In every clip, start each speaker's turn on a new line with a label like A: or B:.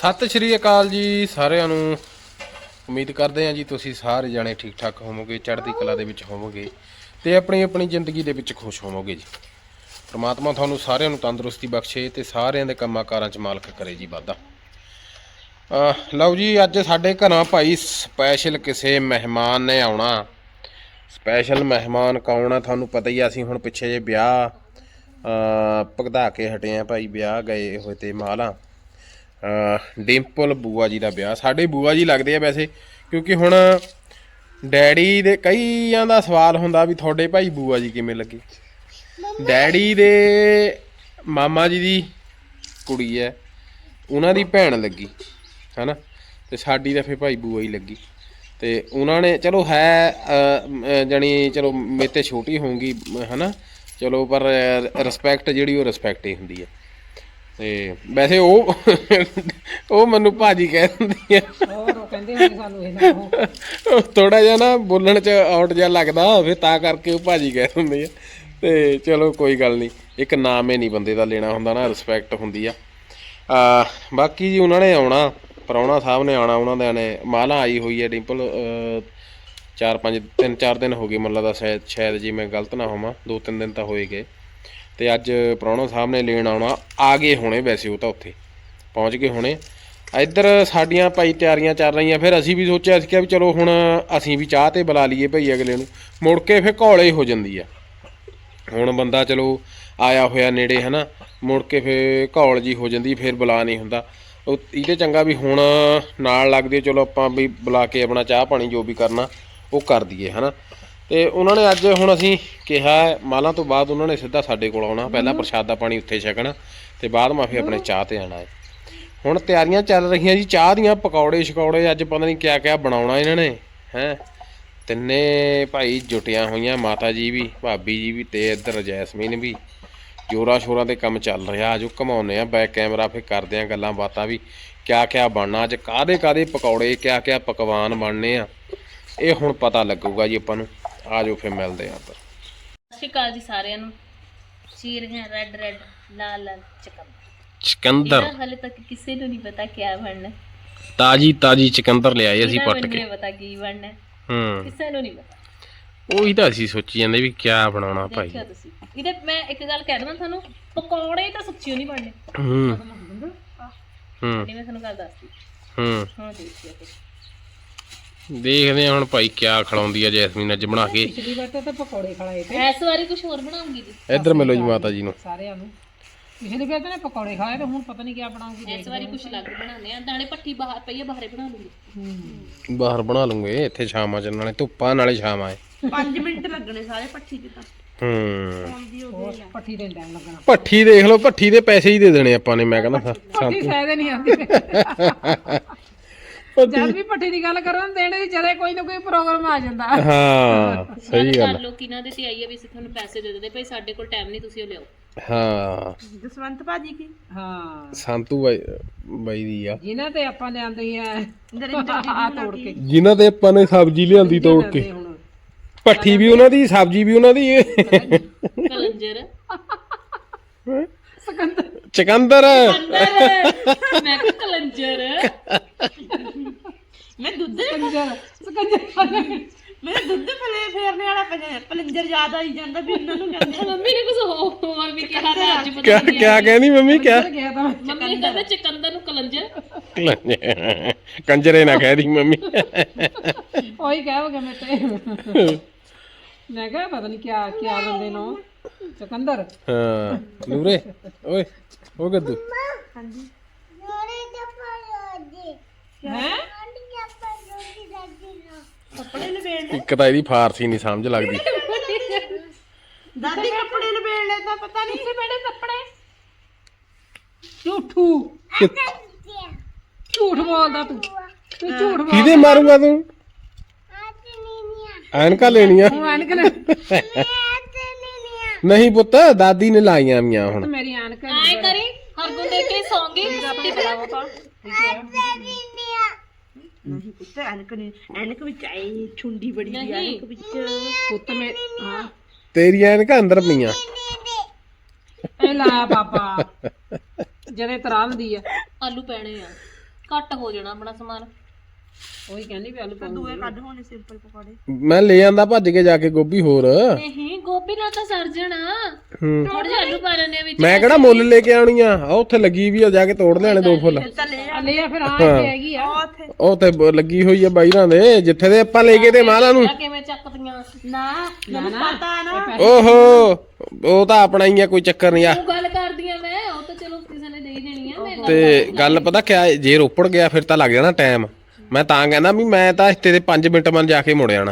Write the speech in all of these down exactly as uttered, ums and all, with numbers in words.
A: ਸਤਿ ਸ਼੍ਰੀ ਅਕਾਲ ਜੀ ਸਾਰਿਆਂ ਨੂੰ। ਉਮੀਦ ਕਰਦੇ ਹਾਂ ਜੀ ਤੁਸੀਂ ਸਾਰੇ ਜਾਣੇ ਠੀਕ ਠਾਕ ਹੋਵੋਗੇ, ਚੜ੍ਹਦੀ ਕਲਾ ਦੇ ਵਿੱਚ ਹੋਵੋਗੇ ਤੇ ਆਪਣੀ ਆਪਣੀ ਜ਼ਿੰਦਗੀ ਦੇ ਵਿੱਚ ਖੁਸ਼ ਹੋਵੋਗੇ ਜੀ। ਪ੍ਰਮਾਤਮਾ ਤੁਹਾਨੂੰ ਸਾਰਿਆਂ ਨੂੰ ਤੰਦਰੁਸਤੀ ਬਖਸ਼ੇ ਤੇ ਸਾਰਿਆਂ ਦੇ ਕੰਮਾਂ ਕਾਰਾਂ 'ਚ ਮਾਲਕ ਕਰੇ ਜੀ ਵਾਧਾ। ਲਓ ਜੀ, ਅੱਜ ਸਾਡੇ ਘਰਾਂ ਭਾਈ ਸਪੈਸ਼ਲ ਕਿਸੇ ਮਹਿਮਾਨ ਨੇ ਆਉਣਾ। ਸਪੈਸ਼ਲ ਮਹਿਮਾਨ ਕੌਣ ਆ ਤੁਹਾਨੂੰ ਪਤਾ ਹੀ ਆ। ਅਸੀਂ ਹੁਣ ਪਿੱਛੇ ਜੇ ਵਿਆਹ ਭੁਗਤਾ ਕੇ ਹਟੇ ਆ ਭਾਈ, ਵਿਆਹ ਗਏ ਹੋਏ ਤੇ ਮਾਲਾ ਡਿੰਪਲ ਬੂਆ ਜੀ ਦਾ ਵਿਆਹ। ਸਾਡੇ ਬੂਆ ਜੀ ਲੱਗਦੇ ਆ ਵੈਸੇ, ਕਿਉਂਕਿ ਹੁਣ ਡੈਡੀ ਦੇ ਕਈਆਂ ਦਾ ਸਵਾਲ ਹੁੰਦਾ ਵੀ ਤੁਹਾਡੇ ਭਾਈ ਬੂਆ ਜੀ ਕਿਵੇਂ ਲੱਗੇ। ਡੈਡੀ ਦੇ ਮਾਮਾ ਜੀ ਦੀ ਕੁੜੀ ਹੈ, ਉਹਨਾਂ ਦੀ ਭੈਣ ਲੱਗੀ ਹੈ ਨਾ, ਤੇ ਸਾਡੀ ਤਾਂ ਫਿਰ ਭਾਈ ਬੂਆ ਹੀ ਲੱਗੀ। ਤੇ ਉਹਨਾਂ ਨੇ ਚਲੋ ਹੈ ਜਾਣੀ ਚਲੋ ਮੇਰੇ ਤੇ ਛੋਟੀ ਹੋਊਗੀ ਹੈ ਨਾ, ਚਲੋ ਪਰ ਰਿਸਪੈਕਟ ਜਿਹੜੀ ਉਹ ਰਿਸਪੈਕਟ ਹੀ ਹੁੰਦੀ ਹੈ। ਤੇ ਵੈਸੇ ਉਹ ਉਹ ਮੈਨੂੰ ਭਾਜੀ ਕਹਿ ਦਿੰਦੀ ਆ। ਥੋੜਾ ਜਿਹਾ ਨਾ ਬੋਲਣ 'ਚ ਆਊਟ ਜਿਹਾ ਲੱਗਦਾ, ਫਿਰ ਤਾਂ ਕਰਕੇ ਉਹ ਭਾਜੀ ਕਹਿ ਦਿੰਦੀ ਆ। ਤੇ ਚਲੋ ਕੋਈ ਗੱਲ ਨਹੀਂ, ਇੱਕ ਨਾਮ ਹੀ ਨਹੀਂ ਬੰਦੇ ਦਾ ਲੈਣਾ ਹੁੰਦਾ ਨਾ, ਰਿਸਪੈਕਟ ਹੁੰਦੀ ਆ। ਬਾਕੀ ਜੀ ਉਹਨਾਂ ਨੇ ਆਉਣਾ, ਪ੍ਰਾਹੁਣਾ ਸਾਹਿਬ ਨੇ ਆਉਣਾ, ਉਹਨਾਂ ਦੇ ਨੇ ਮਾਲਾ ਆਈ ਹੋਈ ਹੈ ਡਿੰਪਲ। ਚਾਰ ਪੰਜ ਤਿੰਨ ਚਾਰ ਦਿਨ ਹੋ ਗਏ ਮੈਨੂੰ ਲੱਗਦਾ, ਸ਼ਾਇਦ ਸ਼ਾਇਦ ਜੀ ਮੈਂ ਗਲਤ ਨਾ ਹੋਵਾਂ, ਦੋ ਤਿੰਨ ਦਿਨ ਤਾਂ ਹੋਏ ਗਏ। ਤੇ ਅੱਜ ਪ੍ਰਾਹੁਣਾ ਸਾਹਿਬ ਨੇ ਲੈਣ ਆਉਣਾ, ਆ ਗਏ ਹੋਣੇ ਵੈਸੇ, ਉਹ ਤਾਂ ਉੱਥੇ ਪਹੁੰਚ ਗਏ ਹੋਣੇ। ਇੱਧਰ ਸਾਡੀਆਂ ਭਾਈ ਤਿਆਰੀਆਂ ਚੱਲ ਰਹੀਆਂ। ਫਿਰ ਅਸੀਂ ਵੀ ਸੋਚਿਆ ਸੀ ਕਿ ਵੀ ਚਲੋ ਹੁਣ ਅਸੀਂ ਵੀ ਚਾਹ 'ਤੇ ਬੁਲਾ ਲਈਏ ਭਾਈ ਅਗਲੇ ਨੂੰ, ਮੁੜ ਕੇ ਫਿਰ ਘੋਲੇ ਹੋ ਜਾਂਦੀ ਆ। ਹੁਣ ਬੰਦਾ ਚਲੋ ਆਇਆ ਹੋਇਆ ਨੇੜੇ ਹੈ ਨਾ, ਮੁੜ ਕੇ ਫਿਰ ਘੋਲ ਜੀ ਹੋ ਜਾਂਦੀ, ਫਿਰ ਬੁਲਾ ਨਹੀਂ ਹੁੰਦਾ। ਉਹ ਇਹਦੇ ਚੰਗਾ ਵੀ ਹੁਣ ਨਾਲ ਲੱਗਦੇ, ਚਲੋ ਆਪਾਂ ਵੀ ਬੁਲਾ ਕੇ ਆਪਣਾ ਚਾਹ ਪਾਣੀ ਜੋ ਵੀ ਕਰਨਾ ਉਹ ਕਰ ਦਈਏ ਹੈ ਨਾ। ਅਤੇ ਉਹਨਾਂ ਨੇ ਅੱਜ ਹੁਣ ਅਸੀਂ ਕਿਹਾ ਮਾਲਾਂ ਤੋਂ ਬਾਅਦ ਉਹਨਾਂ ਨੇ ਸਿੱਧਾ ਸਾਡੇ ਕੋਲ ਆਉਣਾ, ਪਹਿਲਾਂ ਪ੍ਰਸ਼ਾਦਾ ਪਾਣੀ ਉੱਥੇ ਛਕਣਾ ਅਤੇ ਬਾਅਦ ਮਾ ਫਿਰ ਆਪਣੇ ਚਾਹ 'ਤੇ ਆਉਣਾ ਹੈ। ਹੁਣ ਤਿਆਰੀਆਂ ਚੱਲ ਰਹੀਆਂ ਜੀ ਚਾਹ ਦੀਆਂ, ਪਕੌੜੇ ਸ਼ਕੌੜੇ ਅੱਜ ਪਤਾ ਨਹੀਂ ਕਿਆ ਕਿਆ ਬਣਾਉਣਾ ਇਹਨਾਂ ਨੇ ਹੈਂ। ਤਿੰਨੇ ਭਾਈ ਜੁਟੀਆਂ ਹੋਈਆਂ, ਮਾਤਾ ਜੀ ਵੀ, ਭਾਬੀ ਜੀ ਵੀ, ਅਤੇ ਇੱਧਰ ਜੈਸਮੀਨ ਵੀ। ਜ਼ੋਰਾਂ ਸ਼ੋਰਾਂ 'ਤੇ ਕੰਮ ਚੱਲ ਰਿਹਾ। ਅੱਜ ਘੁਮਾਉਂਦੇ ਹਾਂ ਬੈਕ ਕੈਮਰਾ, ਫਿਰ ਕਰਦੇ ਹਾਂ ਗੱਲਾਂ ਬਾਤਾਂ ਵੀ ਕਿਆ ਕਿਆ ਬਣਨਾ ਅੱਜ, ਕਾਹਦੇ ਕਾਹਦੇ ਪਕੌੜੇ, ਕਿਆ ਕਿਆ ਪਕਵਾਨ ਬਣਨੇ ਆ, ਇਹ ਹੁਣ ਪਤਾ ਲੱਗੂਗਾ ਜੀ ਆਪਾਂ ਨੂੰ। ਆ ਜਾਓ ਫਿਰ ਮਿਲਦੇ ਆ।
B: ਸਤਿ ਸ਼੍ਰੀ ਅਕਾਲ ਜੀ ਸਾਰਿਆਂ ਨੂੰ। ਚੀਰ ਹੈ ਰੈੱਡ ਰੈੱਡ ਲਾਲ ਲਾਲ ਚਿਕੰਦਰ
A: ਚਿਕੰਦਰ,
B: ਹਾਲੇ ਤੱਕ ਕਿਸੇ ਨੂੰ ਨਹੀਂ ਪਤਾ ਕਿਆ ਬਣਨਾ।
A: ਤਾਜੀ ਤਾਜੀ ਚਿਕੰਦਰ ਲਿਆਏ ਅਸੀਂ ਪੱਟ ਕੇ,
B: ਪਤਾ ਕੀ ਬਣਨਾ
A: ਹੂੰ
B: ਕਿਸੇ ਨੂੰ ਨਹੀਂ ਪਤਾ।
A: ਉਹੀ ਤਾਂ ਅਸੀਂ ਸੋਚੀ ਜਾਂਦੇ ਵੀ ਕਿਆ ਬਣਾਉਣਾ ਭਾਈ।
B: ਦੇਖਿਓ ਤੁਸੀਂ ਇਹਦੇ, ਮੈਂ ਇੱਕ ਗੱਲ ਕਹਿ ਦਵਾਂ ਤੁਹਾਨੂੰ, ਪਕੌੜੇ ਤਾਂ ਸੱਚੀ ਨਹੀਂ ਬਣਨੇ।
A: ਹੂੰ ਹੂੰ
B: ਮੈਂ ਤੁਹਾਨੂੰ ਗੱਲ ਦੱਸਦੀ।
A: ਹੂੰ
B: ਹੁਣ ਦੇਖਿਓ
A: ਦੇਖਦੇ ਹਾਂ ਹੁਣ ਭਾਈ ਕਿਆ ਖਿਲਾਉਂਦੀ ਆ ਜੈਸਮੀਨ ਅੱਜ ਬਣਾ ਕੇ।
C: ਪਿਛਲੀ ਵਾਰ ਤਾਂ ਪਕੌੜੇ ਖਲਾਏ ਤੇ,
B: ਇਸ ਵਾਰੀ ਕੁਝ ਹੋਰ ਬਣਾਉਂਗੀ ਜੀ।
A: ਇੱਧਰ ਮਿਲੋ ਜੀ ਮਾਤਾ ਜੀ ਨੂੰ
C: ਸਾਰਿਆਂ ਨੂੰ। ਪਿਛਲੀ ਵਾਰ ਤਾਂ ਪਕੌੜੇ ਖਾਏ ਤੇ ਹੁਣ ਪਤਾ ਨਹੀਂ ਕਿਆ ਬਣਾਉਂਗੀ।
B: ਇਸ ਵਾਰੀ ਕੁਝ ਅਲੱਗ ਬਣਾਉਂਦੇ ਆ। ਦਾਣੇ ਪੱਠੀ ਬਾਹਰ ਪਈ ਆ, ਬਾਹਰੇ ਬਣਾ ਲੂੰਗੀ।
A: ਬਾਹਰ ਬਣਾ ਲੂੰਗੇ, ਇੱਥੇ ਛਾਵਾਂ ਚ, ਨਾਲੇ ਧੁੱਪਾਂ ਨਾਲੇ ਛਾਵਾਂ ਹੈ।
B: ਪੰਜ ਮਿੰਟ ਲੱਗਣੇ ਸਾਰੇ ਪੱਠੀ ਦੇ ਤਾਂ।
A: ਹੂੰ
C: ਪੱਠੀ ਦੇ ਟਾਈਮ ਲੱਗਣਾ।
A: ਭੱਠੀ ਦੇਖ ਲਓ, ਭੱਠੀ ਦੇ ਪੈਸੇ ਹੀ ਦੇ ਦੇਣੇ ਆਪਾਂ ਨੇ। ਮੈਂ ਕਹਿੰਦਾ
C: ਪੱਠੀ ਫਾਇਦੇ ਨਹੀਂ ਆਉਂਦੀ। ਜਦ ਵੀ ਪੱਠੀ ਦੀ ਗੱਲ ਕਰੋ ਦੇਣੇ ਦੀ ਜਦੇ ਕੋਈ ਨਾ ਕੋਈ ਪ੍ਰੋਗਰਾਮ ਆ ਜਾਂਦਾ।
A: ਹਾਂ ਸਹੀ ਗੱਲ।
B: ਲੋਕ ਇਹਨਾਂ ਦੇ ਤੇ ਆਈ ਆ ਵੀ ਅਸੀਂ ਤੁਹਾਨੂੰ ਪੈਸੇ ਦੇ ਦਿੰਦੇ, ਭਾਈ ਸਾਡੇ ਕੋਲ ਟਾਈਮ ਨਹੀਂ, ਤੁਸੀਂ ਉਹ ਲਿਆਓ।
A: ਹਾਂ
B: ਜਸਵੰਤ ਭਾਜੀ ਕੀ,
C: ਹਾਂ
A: ਸੰਤੂ ਬਾਈ ਬਾਈ ਦੀ ਆ,
C: ਜਿਨ੍ਹਾਂ ਤੇ ਆਪਾਂ ਲਿਆਂਦੇ ਆ ਤੋੜ ਕੇ,
A: ਜਿਨ੍ਹਾਂ ਤੇ ਆਪਾਂ ਨੇ ਸਬਜ਼ੀ ਲਿਆਂਦੀ ਤੋੜ ਕੇ।
C: ਹੁਣ
A: ਭੱਠੀ ਵੀ ਉਹਨਾਂ ਦੀ, ਸਬਜ਼ੀ ਵੀ ਉਹਨਾਂ ਦੀ,
B: ਕਲੰਜਰ
C: ਸਿਕੰਦਰ
A: ਚਿਕੰਦਰ।
B: ਮੈਂ ਕਿਹਾ ਕਲੰਜਰ, ਮੈਂ ਦੁੱਧ
C: ਸਿਕੰਦਰ ਸਿਕੰਦਰ
B: ਮੈਂ ਦੁੱਧ ਫਲੇ ਫੇਰਨੇ ਵਾਲਾ ਪਲੰਜਰ ਯਾਦ ਆਈ ਜਾਂਦਾ ਵੀ ਉਹਨਾਂ ਨੂੰ ਕਹਿੰਦੇ। ਮੰਮੀ ਨੇ ਕੁਝ ਹੋਰ ਵੀ ਕਿਹਾ ਤਾਂ ਅੱਜ ਪਤਾ
A: ਕਿਆ ਕਿਆ ਕਹਿੰਦੀ ਮੰਮੀ? ਕਿਆ
C: ਗਿਆ ਤਾਂ
B: ਮੰਮੀ ਕਹਿੰਦੇ ਚਿਕੰਦਰ ਨੂੰ ਕਲੰਜਰ।
A: ਕੰਜਰੇ ਨਾ ਕਹਿ ਦੀ ਮੰਮੀ।
C: ਉਹੀ ਕਹੋਗੇ ਮੈਂ ਤੇ। ਮੈਂ ਕਿਹਾ ਪਤਾ ਨਹੀਂ ਕਿਆ ਕਿਆ ਬੰਦੇ ਨੂੰ ਸਿਕੰਦਰ।
A: ਹਾਂ ਨੂਰੇ ਓਏ ਉਹ ਗੱਦੂ।
B: ਹਾਂਜੀ
C: ਹੈ
B: ਕੱਪੜੇ ਲਵੇੜ
A: ਇੱਕ ਤਾਂ ਇਹਦੀ ਫਾਰਸੀ ਨਹੀਂ ਸਮਝ ਲੱਗਦੀ।
B: ਦਾਦੀ ਕੱਪੜੇ ਲਵੇੜ ਲੈ ਤਾਂ ਪਤਾ ਨਹੀਂ ਸੀ ਮੇਰੇ ਕੱਪੜੇ।
C: ਝੂਠੂ ਝੂਠ ਬੋਲਦਾ ਤੂੰ, ਤੂੰ ਝੂਠ ਬੋਲ।
A: ਕਿਹਦੇ ਮਾਰੂਗਾ ਤੂੰ? ਐਨਕਾਂ ਲੈਣੀਆਂ
C: ਤੂੰ ਐਨਕ ਲੈ।
A: ਨਹੀਂ ਪੁੱਤ, ਦਾਦੀ ਨੇ ਲਾਈਆਂ ਵੀਆਂ ਹੁਣ।
C: ਮੇਰੀ ਐਨਕ
B: ਆਏ ਕਰੀ ਹਰਗੁਣ ਦੇਖ ਕੇ ਸੌਂਗੀ।
C: ਨਹੀਂ
B: ਪੁੱਤ ਐਨਕ ਨਹੀਂ, ਐਨਕ ਵਿੱਚ ਆਈ ਛੁੰਡੀ ਬੜੀ ਦੀ ਐਨਕ ਵਿੱਚ।
C: ਪੁੱਤ ਮੇ ਹਾਂ
A: ਤੇਰੀਆਂ ਐਨਕਾਂ ਅੰਦਰ ਪਈਆਂ।
C: ਇਹ ਲਾ ਬਾਬਾ ਜਦੇ ਤਰਾ ਹੁੰਦੀ ਆ।
B: ਆਲੂ ਪੈਣੇ ਆ। ਘੱਟ ਹੋ ਜਾਣਾ ਆਪਣਾ ਸਮਾਨ।
C: ਉਹੀ ਕਹਿੰਦੀ ਵੀ ਆਲੂ ਪਾਉਂਗੀ।
B: ਦੂਏ ਕੱਢ ਹੋਣੇ ਸਿੰਪਲ ਪਕੌੜੇ।
A: ਮੈਂ ਲੈ ਆਂਦਾ ਭੱਜ ਕੇ ਜਾ ਕੇ ਗੋਭੀ ਹੋਰ।
B: ਨਹੀਂ ਗੋਭੀ ਨਾਲ ਤਾਂ ਸਰ ਜਾਣਾ।
A: ਹੂੰ
B: ਥੋੜੇ ਜਿਹੇ ਆਲੂ ਪਾ ਲੈਣੇ ਵਿੱਚ।
A: ਮੈਂ ਕਿਹੜਾ ਮੁੱਲ ਲੈ ਕੇ ਆਉਣੀ ਆ, ਆ ਉੱਥੇ ਲੱਗੀ ਵੀ ਆ, ਜਾ ਕੇ ਤੋੜ ਲੈਣੇ ਦੋ ਫੁੱਲ।
C: ਆ ਲੈ ਆ ਫਿਰ ਆ ਇੱਥੇ ਹੈਗੀ ਆ।
A: ਉਹ ਤੇ ਬ- ਲੱਗੀ ਹੋਈ ਆ ਬਾਈਰਾਂ ਦੇ, ਜਿੱਥੇ ਦੇ ਆਪਾਂ ਲੈ ਕੇ ਤੇ ਮਾਲਾ ਨੂੰ।
B: ਕਿਵੇਂ ਚੱਕਦੀਆਂ
C: ਨਾ ਮੈਨੂੰ ਪਤਾ ਨਾ
A: ਓਹੋ ਉਹ ਤਾਂ ਆਪਣਾ ਹੀ ਆ, ਕੋਈ ਚੱਕਰ ਨਹੀਂ ਆ।
B: ਉਹ ਗੱਲ ਕਰਦੀ ਆ ਮੈਂ, ਉਹ ਤਾਂ ਚਲੋ ਕਿਸੇ ਨੇ ਦੇ ਹੀ ਦੇਣੀ ਆ। ਮੈਂ
A: ਤੇ ਗੱਲ ਪਤਾ ਕਿਆ, ਜੇ ਰੋਪੜ ਗਿਆ ਫਿਰ ਤਾਂ ਲੱਗ ਜਾਣਾ ਟਾਈਮ। ਮੈਂ ਤਾਂ ਕਹਿੰਦਾ ਵੀ ਮੈਂ ਤਾਂ ਹਫਤੇ ਦੇ ਪੰਜ ਮਿੰਟ ਮਨ ਜਾ ਕੇ ਮੁੜ ਜਾਣਾ।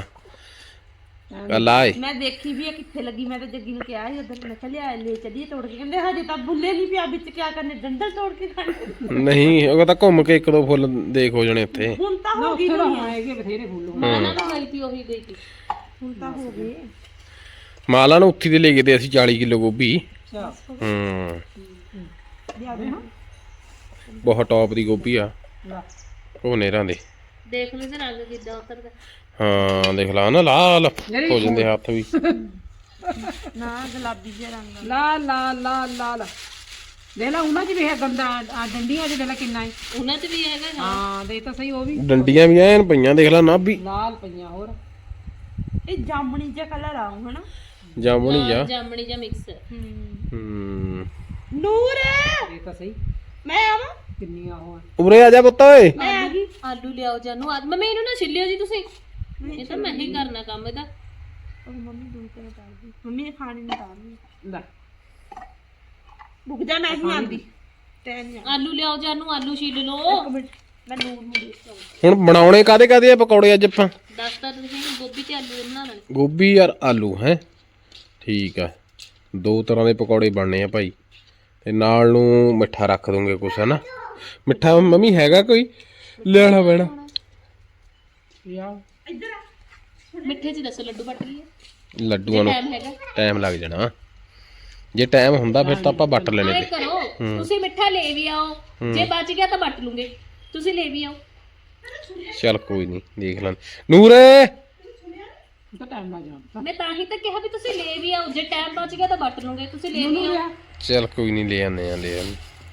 A: ਗੱਲ ਆਏ
B: ਮੈਂ ਦੇਖੀ ਵੀ ਆ ਕਿੱਥੇ ਲੱਗੀ। ਮੈਂ ਤਾਂ ਜੱਗੀ ਨੂੰ ਕਿਹਾ ਸੀ ਉਧਰ, ਮੈਂ ਕਿਹਾ ਲਿਆ ਲੈ ਚੱਲੀਏ ਤੋੜ ਕੇ। ਕਹਿੰਦੇ ਹਜੇ ਤਾਂ ਬੁੱਲੇ ਨਹੀਂ ਪਿਆ ਵਿੱਚ, ਕਿਆ ਕਰਨੇ ਡੰਡਲ ਤੋੜ ਕੇ ਖਾਣੇ।
A: ਨਹੀਂ ਉਹ ਤਾਂ ਘੁੰਮ ਕੇ ਇੱਕ ਦੋ ਫੁੱਲ ਦੇਖ ਹੋ ਜਾਣੇ ਉੱਥੇ।
B: ਹੁਣ ਤਾਂ
C: ਨਾ ਉੱਥੇ ਤਾਂ ਹੈਗੇ ਬਥੇਰੇ ਫੁੱਲ ਹੋਣ।
B: ਮਾਨਾ ਤਾਂ ਗਈ ਤੀ, ਉਹੀ ਗਈ ਤੀ। ਹੁਣ ਤਾਂ ਹੋ ਗਏ।
A: ਮਾਲਾ ਨੂੰ ਉੱਥੀ ਦੇ ਲੈ ਗਏ ਤੇ ਅਸੀਂ ਚਾਲੀ ਕਿਲੋ ਗੋਭੀ।
C: ਅੱਛਾ
A: ਹੂੰ
B: ਲਿਆ ਦੇ ਹਾਂ।
A: ਬਹੁਤ ਟੌਪ ਦੀ ਗੋਭੀ ਆ
C: ਲਾ
A: ਉਹ ਨੇਰਾਂ ਦੇ।
B: ਦੇਖ ਲਈ ਤੇ ਰੰਗ ਕਿੱਦਾਂ ਉਤਰਦਾ।
A: ਹਾਂ ਦੇਖ ਲਾ ਨਾ ਲਾਲ ਹੋ ਜਾਂਦੇ ਹੱਥ ਵੀ।
B: ਨਾ ਗੁਲਾਬੀ ਜਿਹਾ ਰੰਗ।
C: ਲਾ ਲਾ ਲਾ ਲਾ ਲਾ ਦੇ ਲਾ ਉਹਨਾਂ ਚ ਵੀ ਹੈ ਗੰਦਾ ਆ ਡੰਡੀਆਂ ਚ ਦੇ ਲਾ ਕਿੰਨਾ ਹੈ।
B: ਉਹਨਾਂ 'ਚ ਵੀ ਹੈਗਾ।
C: ਹਾਂ ਦੇ ਤਾਂ ਸਹੀ ਉਹ ਵੀ
A: ਡੰਡੀਆਂ ਵੀ ਐਨ ਪਈਆਂ ਦੇਖ ਲਾ ਨਾ ਵੀ
C: ਲਾਲ ਪਈਆਂ ਹੋਰ।
B: ਇਹ ਜਾਮਣੀ ਜਿਹਾ ਕਲਰ ਆਉ ਹਨਾ।
A: ਜਾਮਣੀ ਆ।
B: ਜਾਮਣੀ ਜਿਹਾ ਮਿਕਸ।
A: ਹੂੰ
B: ਨੂਰ
C: ਇਹ ਤਾਂ ਸਹੀ
B: ਮੈਂ ਆਵਾਂ।
C: ਕਿੰਨੀਆਂ ਉਹ ਆ।
A: ਉਰੇ ਆ ਜਾ ਪੁੱਤ ਓਏ।
B: ਮੈਂ ਆ ਗਈ। ਆਲੂ ਲਿਆਓ ਜਾਨੂੰ। ਆ ਮੰਮੀ ਇਹਨੂੰ ਨਾ ਛਿੱਲਿਓ ਜੀ ਤੁਸੀਂ। ਇਹ ਤਾਂ ਮੈਂ ਹੀ ਕਰਨਾ ਕੰਮ ਇਹਦਾ। ਉਹ ਮੰਮੀ ਦੂਰ ਤੇ ਉਤਾਰ ਦੀ। ਮੰਮੀ ਨੇ ਖਾਣੀ ਨਹੀਂ ਉਤਾਰਨੀ।
C: ਲੈ
B: ਰੁਕ ਜਾ ਮੈਂ ਹੀ ਆਂਦੀ। ਟੈਨ ਆਲੂ ਲਿਆਓ ਜਾਨੂੰ। ਆਲੂ ਛਿੱਲ ਲਓ। ਇੱਕ ਮਿੰਟ ਮੈਂ ਨੂਰ ਨੂੰ ਦੇਖਾਂ।
A: ਹੁਣ ਬਣਾਉਣੇ ਕਾਦੇ ਕਾਦੇ ਆ ਪਕੌੜੇ ਅੱਜ ਆਪਾਂ?
B: ਦੱਸਤਾ ਤੁਸੀਂ ਗੋਭੀ ਤੇ ਆਲੂ ਬਣਾ ਲੈਣੇ।
A: ਗੋਭੀ ਯਾਰ ਆਲੂ ਹੈ ਠੀਕ ਆ। ਦੋ ਤਰ੍ਹਾਂ ਦੇ ਪਕੌੜੇ ਬਣਨੇ ਆ ਭਾਈ। ਤੇ ਨਾਲ ਨੂੰ ਮਿੱਠਾ ਰੱਖ ਦੋਗੇ ਕੁਛ ਹਨਾ। ਮਿੱਠਾ ਮੰਮੀ ਹੈਗਾ ਕੋਈ ਲੈਣਾ ਪੈਣਾ।
C: ਯਾ
B: ਮਿੱਠੇ 'ਚ ਦੱਸੋ ਲੱਡੂ ਵੱਟ ਲਈਏ।
A: ਲੱਡੂਆਂ ਨੂੰ
B: ਟਾਈਮ ਹੈਗਾ।
A: ਟਾਈਮ ਲੱਗ ਜਾਣਾ। ਜੇ ਟਾਈਮ ਹੁੰਦਾ ਫਿਰ ਤਾਂ ਆਪਾਂ ਵੱਟ ਲੈਣੇ
B: ਐ
A: ਤੇ।
B: ਕਰੋ ਤੁਸੀਂ ਮਿੱਠਾ ਲੈ ਵੀ ਆਓ। ਜੇ ਬਚ ਗਿਆ ਤਾਂ ਵੱਟ ਲੂੰਗੇ। ਤੁਸੀਂ ਲੈ ਵੀ ਆਓ।
A: ਚੱਲ ਕੋਈ ਨਹੀਂ ਦੇਖ ਲਾਂ। ਨੂਰੇ
C: ਤਾਂ ਟਾਈਮ ਲੱਗ ਜਾਣਾ।
B: ਮੈਂ ਤਾਂ ਹੀ ਤਾਂ ਕਿਹਾ ਵੀ ਤੁਸੀਂ ਲੈ ਵੀ ਆਓ। ਜੇ ਟਾਈਮ ਬਚ ਗਿਆ ਤਾਂ ਵੱਟ ਲੂੰਗੇ। ਤੁਸੀਂ ਲੈ ਵੀ ਆਓ।
A: ਚੱਲ ਕੋਈ ਨਹੀਂ ਲੈ ਆਨੇ ਆ ਲੈ ਆਨੇ।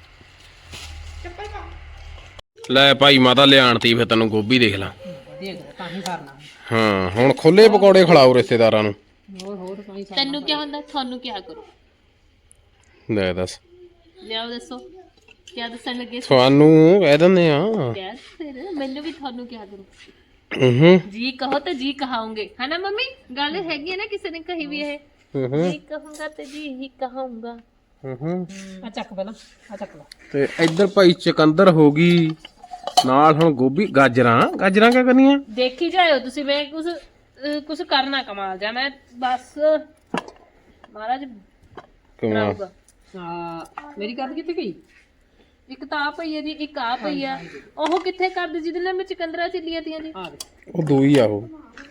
A: ਲੈ ਭਾਈ ਮਾਤਾ ਲਿਆਣਤੀ ਫਿਰ ਤੈਨੂੰ ਗੋਭੀ ਦੇਖ ਲਾ।
C: ਦੇਖ ਤਾਂ ਹੀ ਕਰਨਾ।
A: ਹਾਂ ਹੁਣ ਖੁੱਲੇ ਪਕੌੜੇ ਖਿਲਾਓ ਰਿਸ਼ਤੇਦਾਰਾਂ ਨੂੰ।
C: ਹੋਰ ਹੋਰ ਤਾਂ ਹੀ
B: ਤੈਨੂੰ ਕੀ ਹੁੰਦਾ? ਤੁਹਾਨੂੰ ਕੀ ਕਰੋ?
A: ਲੈ ਦੱਸ
B: ਲਿਆਓ ਦੱਸੋ ਕੀ ਦੱਸਣ ਲੱਗੇ?
A: ਤੁਹਾਨੂੰ ਕਹਿ ਦਿੰਦੇ ਆ।
B: ਯਾਰ ਫਿਰ ਮੈਨੂੰ ਵੀ ਤੁਹਾਨੂੰ ਕੀ ਕਰੋ?
A: ਹੂੰ
B: ਜੀ ਕਹੋ ਤਾਂ ਜੀ ਕਹਾਉਂਗੇ ਹੈ ਨਾ ਮੰਮੀ? ਗੱਲ ਹੈਗੀ ਹੈ ਨਾ, ਕਿਸੇ ਨੇ ਕਹੀ ਵੀ ਇਹ
A: ਹੂੰ
B: ਜੀ ਕਹੂੰਗਾ ਤੇ ਜੀ ਹੀ ਕਹਾਉਂਗਾ।
A: ਹੂੰ
C: ਆ ਚੱਕ ਪਹਿਲਾਂ ਆ ਚੱਕ ਲਾ।
A: ਤੇ ਇੱਧਰ ਭਾਈ ਚਕੰਦਰ ਹੋ ਗਈ ਨਾਲ। ਹੁਣ ਗੋਭੀ ਗਾਜਰਾਂ ਗਾਜਰਾਂ ਕਿਆ ਕਰਨੀਆਂ?
B: ਦੇਖੀ ਜਾਇਓ ਤੁਸੀਂ। ਮੈਂ ਕੁਝ ਕੁਝ ਕਰਨਾ ਕਮਾਲ ਜਾ। ਮੈਂ ਬਸ ਮਹਾਰਾਜ
A: ਕਮਾ
B: ਕਰਾਊਗਾ।
C: ਆ ਮੇਰੀ ਗੱਲ ਕਿੱਥੇ ਗਈ?
B: ਇੱਕ ਤਾਂ ਆ ਪਈ ਹੈ ਜੀ, ਇੱਕ ਆ ਪਈ ਆ। ਉਹ ਕਿੱਥੇ ਕਰਦੀ ਜਿਹਦੇ ਨਾਲ ਮੈਂ ਚਕੰਦਰਾ ਚੱਲੀਆਂ ਤੀਆਂ ਜੀ?
C: ਆ ਦੇ
A: ਉਹ ਦੋ ਹੀ ਆ ਉਹ।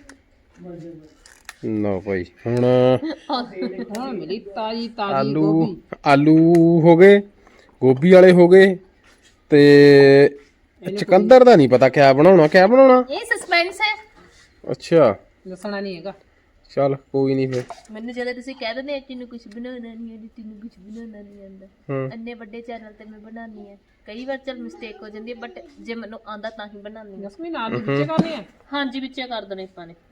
A: ਨਾ ਭਾਈ ਹੁਣ
C: ਹੁਣ ਮਿਲੀ ਤਾਜੀ ਤਾਜੀ
A: ਆਲੂ
C: ਗੋਭੀ।
A: ਆਲੂ ਹੋ ਗਏ, ਗੋਭੀ ਵਾਲੇ ਹੋ ਗਏ ਤੇ ਚਕੰਦਰ ਦਾ ਨਹੀਂ ਪਤਾ ਕਿਆ ਬਣਾਉਣਾ ਕਿਆ ਬਣਾਉਣਾ।
B: ਇਹ ਸਸਪੈਂਸ ਹੈ।
A: ਅੱਛਾ
C: ਦੱਸਣਾ ਨਹੀਂ ਹੈਗਾ।
A: ਚੱਲ ਕੋਈ ਨਹੀਂ ਫਿਰ।
B: ਮੈਨੂੰ ਜਦੋਂ ਤੁਸੀਂ ਕਹਿ ਦਿੰਦੇ ਤੈਨੂੰ ਕੁਝ ਬਣਾਉਣਾ ਨਹੀਂ ਆਉਂਦਾ, ਤੈਨੂੰ ਕੁਝ ਬਣਾਉਣਾ ਨਹੀਂ ਆਉਂਦਾ,
A: ਹੂੰ
B: ਇੰਨੇ ਵੱਡੇ ਚੈਨਲ ਤੇ ਮੈਂ ਬਣਾਉਣੀ ਹੈ। ਕਈ ਵਾਰ ਚਲ ਮਿਸਟੇਕ ਹੋ ਜਾਂਦੀ ਹੈ, ਬਟ ਜੇ ਮੈਨੂੰ ਆਉਂਦਾ ਤਾਂ ਹੀ ਬਣਾਉਣੀ ਹੈ।
C: ਜਸਮੀਨ ਆਲੂ ਵਿੱਚੇ ਕਰਨੇ ਆ।
B: ਹਾਂਜੀ ਵਿੱਚੇ ਕਰ ਦੇਣੇ ਆਪਾਂ ਨੇ।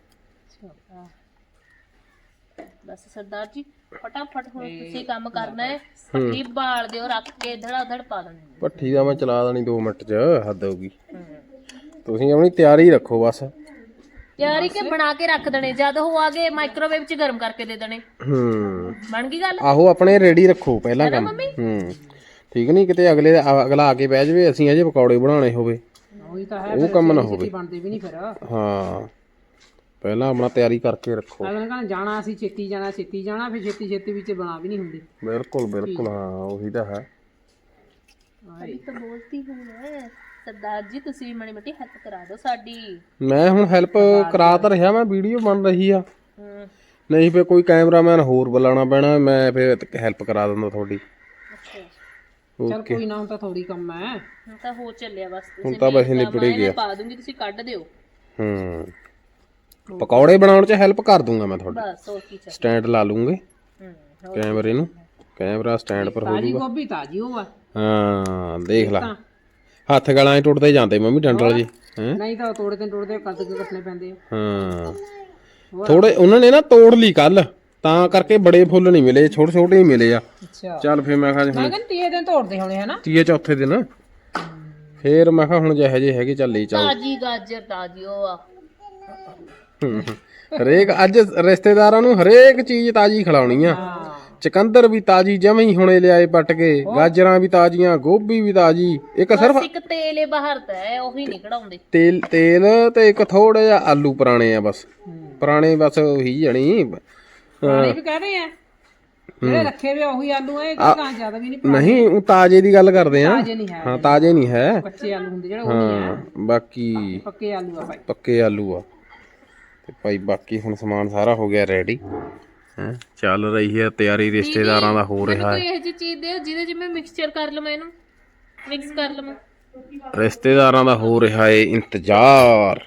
B: ਬਸ ਸਰਦਾਰ ਜੀ ਫਟਾਫਟ ਹੁਣ ਤੁਸੀਂ ਕੰਮ ਕਰਨਾ ਹੈ। ਪੱਤੀ ਬਾਲ ਦਿਓ, ਰੱਖ ਕੇ ਧੜਾ ਧੜ ਪਾ ਦੇਣੀ।
A: ਭੱਠੀ ਦਾ ਮੈਂ ਚਲਾ ਦੇਣੀ ਦੋ ਮਿੰਟ ਚ, ਹੱਦ ਹੋਊਗੀ। ਤੁਸੀਂ ਆਪਣੀ ਤਿਆਰੀ ਰੱਖੋ ਬਸ।
B: ਤਿਆਰੀ ਕੇ ਬਣਾ ਕੇ ਰੱਖ ਦੇਣੇ, ਜਦ ਉਹ ਆ ਗਏ ਮਾਈਕ੍ਰੋਵੇਵ ਚ ਗਰਮ ਕਰਕੇ ਦੇ ਦੇਣੇ।
A: ਹੂੰ
B: ਬਣ ਗਈ ਗੱਲ?
A: ਆਹੋ ਆਪਣੇ ਰੈਡੀ ਰੱਖੋ ਪਹਿਲਾਂ ਕੰਮ। ਹੂੰ ਠੀਕ ਨਹੀਂ ਕਿਤੇ ਅਗਲੇ ਅਗਲਾ ਆ ਕੇ ਬਹਿ ਜਾਵੇ ਅਸੀਂ ਅਜੇ ਪਕੌੜੇ ਬਣਾਉਣੇ ਹੋਵੇ,
C: ਉਹੀ ਤਾਂ ਹੈ।
A: ਉਹ ਕੰਮ ਨਾ ਹੋਵੇ।
C: ਬਣਦੇ ਵੀ ਨਹੀਂ ਫਿਰ।
A: ਹਾਂ ਪਹਿਲਾਂ ਆਪਣਾ ਤਿਆਰੀ ਕਰਕੇ ਰੱਖੋ।
C: ਅਗਲੇ ਕਹਿੰਦੇ ਜਾਣਾ ਅਸੀਂ ਛੇਤੀ ਜਾਣਾ ਛੇਤੀ ਜਾਣਾ, ਫਿਰ ਛੇਤੀ ਛੇਤੀ ਵਿੱਚ ਬਣਾ ਵੀ ਨਹੀਂ ਹੁੰਦੀ।
A: ਬਿਲਕੁਲ ਬਿਲਕੁਲ ਹਾਂ ਉਹੀ ਤਾਂ ਹੈ।
B: ਅਭੀ ਤਾਂ ਬੋਲਤੀ ਹੂੰ ਮੈਂ। ਸਰਦਾਰ ਜੀ ਤੁਸੀਂ ਮਾੜੀ ਮੋਟੀ ਹੈਲਪ ਕਰਾ ਦਿਓ ਸਾਡੀ।
A: ਮੈਂ ਹੁਣ ਹੈਲਪ ਕਰਾ ਤਾਂ ਰਿਹਾ, ਮੈਂ ਵੀਡੀਓ ਬਣ ਰਹੀ ਆ।
B: ਹੂੰ
A: ਨਹੀਂ ਫਿਰ ਕੋਈ ਕੈਮਰਾਮੈਨ ਹੋਰ ਬੁਲਾਉਣਾ ਪੈਣਾ, ਮੈਂ ਫਿਰ ਹੈਲਪ ਕਰਾ ਦਿੰਦਾ ਤੁਹਾਡੀ।
B: ਅੱਛਾ
C: ਚਲ ਕੋਈ ਨਾ, ਹੁਣ ਤਾਂ ਥੋੜੀ ਕੰਮ ਹੈ।
B: ਹੁਣ ਤਾਂ ਹੋ ਚੱਲਿਆ ਬਸ। ਤੁਸੀਂ
A: ਹੁਣ ਤਾਂ ਵੈਸੇ ਨਿਬੜ ਹੀ ਗਿਆ।
B: ਪਾ ਦੂੰਗੀ, ਤੁਸੀਂ ਕੱਢ ਦਿਓ।
A: ਹੂੰ ਪਕੌੜੇ ਬਣਾਉਣ 'ਚ ਹੈਲਪ ਕਰ ਦੂੰਗਾ ਮੈਂ ਤੁਹਾਡੀ।
B: ਬਸ ਹੋਰ ਕੀ ਚਾਹੀਦਾ।
A: ਸਟੈਂਡ ਲਾ ਲੂੰਗੇ
B: ਹੂੰ
A: ਕੈਮਰੇ ਨੂੰ, ਕੈਮਰਾ ਸਟੈਂਡ ਪਰ ਹੋ
C: ਤਾਜੀ
A: ਜਾਊਗਾ।
C: ਗੋਭੀ ਤਾਜੀ ਉਹ ਆ।
A: ਹਾਂ ਦੇਖ ਲਾ। ਹੱਥ ਗਲਾਂ 'ਚ ਟੁੱਟਦੇ ਜਾਂਦੇ ਮੰਮੀ ਡੰਡਲ ਜੀ ਹੈ।
C: ਨਹੀਂ ਤਾਂ ਉਹ ਤੋੜੇ ਤੇ ਟੁੱਟਦੇ ਕੱਦ ਕੇ ਕੱਟਣੇ ਪੈਂਦੇ ਆ।
A: ਹਾਂ ਥੋੜੇ ਉਹਨਾਂ ਨੇ ਨਾ ਤੋੜ ਲਈ ਕੱਲ, ਤਾਂ ਕਰਕੇ ਬੜੇ ਫੁੱਲ ਨਹੀਂ ਮਿਲੇ, ਛੋਟੇ ਛੋਟੇ ਹੀ ਮਿਲੇ ਆ।
C: ਅੱਛਾ
A: ਚੱਲ ਫਿਰ ਮੈਂ ਕਿਹਾ
C: ਮੈਂ ਕਹਿੰਦਾ ਤੀਏ ਦਿਨ ਤੋੜਦੇ ਹੋਣੇ ਹਨਾ।
A: ਤੀਏ ਚੌਥੇ ਦਿਨ ਫੇਰ ਮੈਂ ਕਿਹਾ ਹੁਣ ਜਿਹੇ ਜਿਹੇ ਹੈਗੇ ਚੱਲ ਲਈ ਚੱਲ।
B: ਤਾਜੀ ਗਾਜਰ ਤਾਜੀ ਉਹ ਆ।
A: ਹਰੇਕ ਅੱਜ ਰਿਸ਼ਤੇਦਾਰਾਂ ਨੂੰ ਹਰੇਕ ਚੀਜ਼ ਤਾਜੀ ਖਿਲਾਉਣੀ ਆ। ਚਕੰਦਰ ਵੀ ਤਾਜੀ ਜਮਾਂ ਹੀ ਹੁਣੇ ਲਿਆਏ ਪੱਟ ਕੇ, ਗਾਜਰਾਂ ਵੀ ਤਾਜ਼ੀਆਂ, ਗੋਭੀ ਵੀ ਤਾਜੀ। ਇੱਕ ਸਿਰਫ
B: ਇੱਕ ਤੇਲ ਏ ਬਾਹਰ ਤਾਂ ਹੈ ਉਹੀ ਨਹੀਂ ਕਢਾਉਂਦੇ।
A: ਤੇਲ ਤੇਲ ਤੇ ਇੱਕ ਥੋੜਾ ਜਿਹਾ ਆਲੂ ਪੁਰਾਣੇ ਆ ਬਸ, ਪੁਰਾਣੇ ਬਸ ਉਹੀ ਜਣੀ।
C: ਪਾਣੀ ਵੀ ਕਹਦੇ ਆ ਜਿਹੜੇ ਰੱਖੇ ਵੇ ਉਹੀ ਆਲੂ ਆ, ਇਹ ਤਾਂ ਜ਼ਿਆਦਾ ਵੀ ਨਹੀਂ।
A: ਨਹੀਂ ਉਹ ਤਾਜ਼ੇ ਦੀ ਗੱਲ ਕਰਦੇ ਆ।
C: ਤਾਜ਼ੇ ਨਹੀਂ ਹੈ।
A: ਹਾਂ ਤਾਜ਼ੇ ਨਹੀਂ ਹੈ,
C: ਕੱਚੇ ਆਲੂ ਹੁੰਦੇ ਜਿਹੜੇ ਉਹ ਨਹੀਂ
A: ਹਾਂ
C: ਆ।
A: ਬਾਕੀ
C: ਪੱਕੇ ਆਲੂ ਆ ਭਾਈ,
A: ਪੱਕੇ ਆਲੂ ਆ। ਤੇ ਭਾਈ ਬਾਕੀ ਹੁਣ ਸਮਾਨ ਸਾਰਾ ਹੋ ਗਿਆ ਰੈਡੀ ਹੈ, ਚੱਲ ਰਹੀ ਹੈ ਤਿਆਰੀ, ਰਿਸ਼ਤੇਦਾਰਾਂ ਦਾ ਹੋ ਰਿਹਾ
B: ਕੋਈ
A: ਹੈ।
B: ਇਹੋ ਜਿਹੀ ਚੀਜ਼ ਦਿਓ ਜਿਹਦੇ ਚ ਮੈਂ ਮਿਕਸਚਰ ਕਰ ਲਵਾਂ, ਇਹਨੂੰ ਮਿਕਸ ਕਰ ਲਵਾਂ।
A: ਰਿਸ਼ਤੇਦਾਰਾਂ ਦਾ ਹੋ ਰਿਹਾ ਹੈ ਇੰਤਜ਼ਾਰ।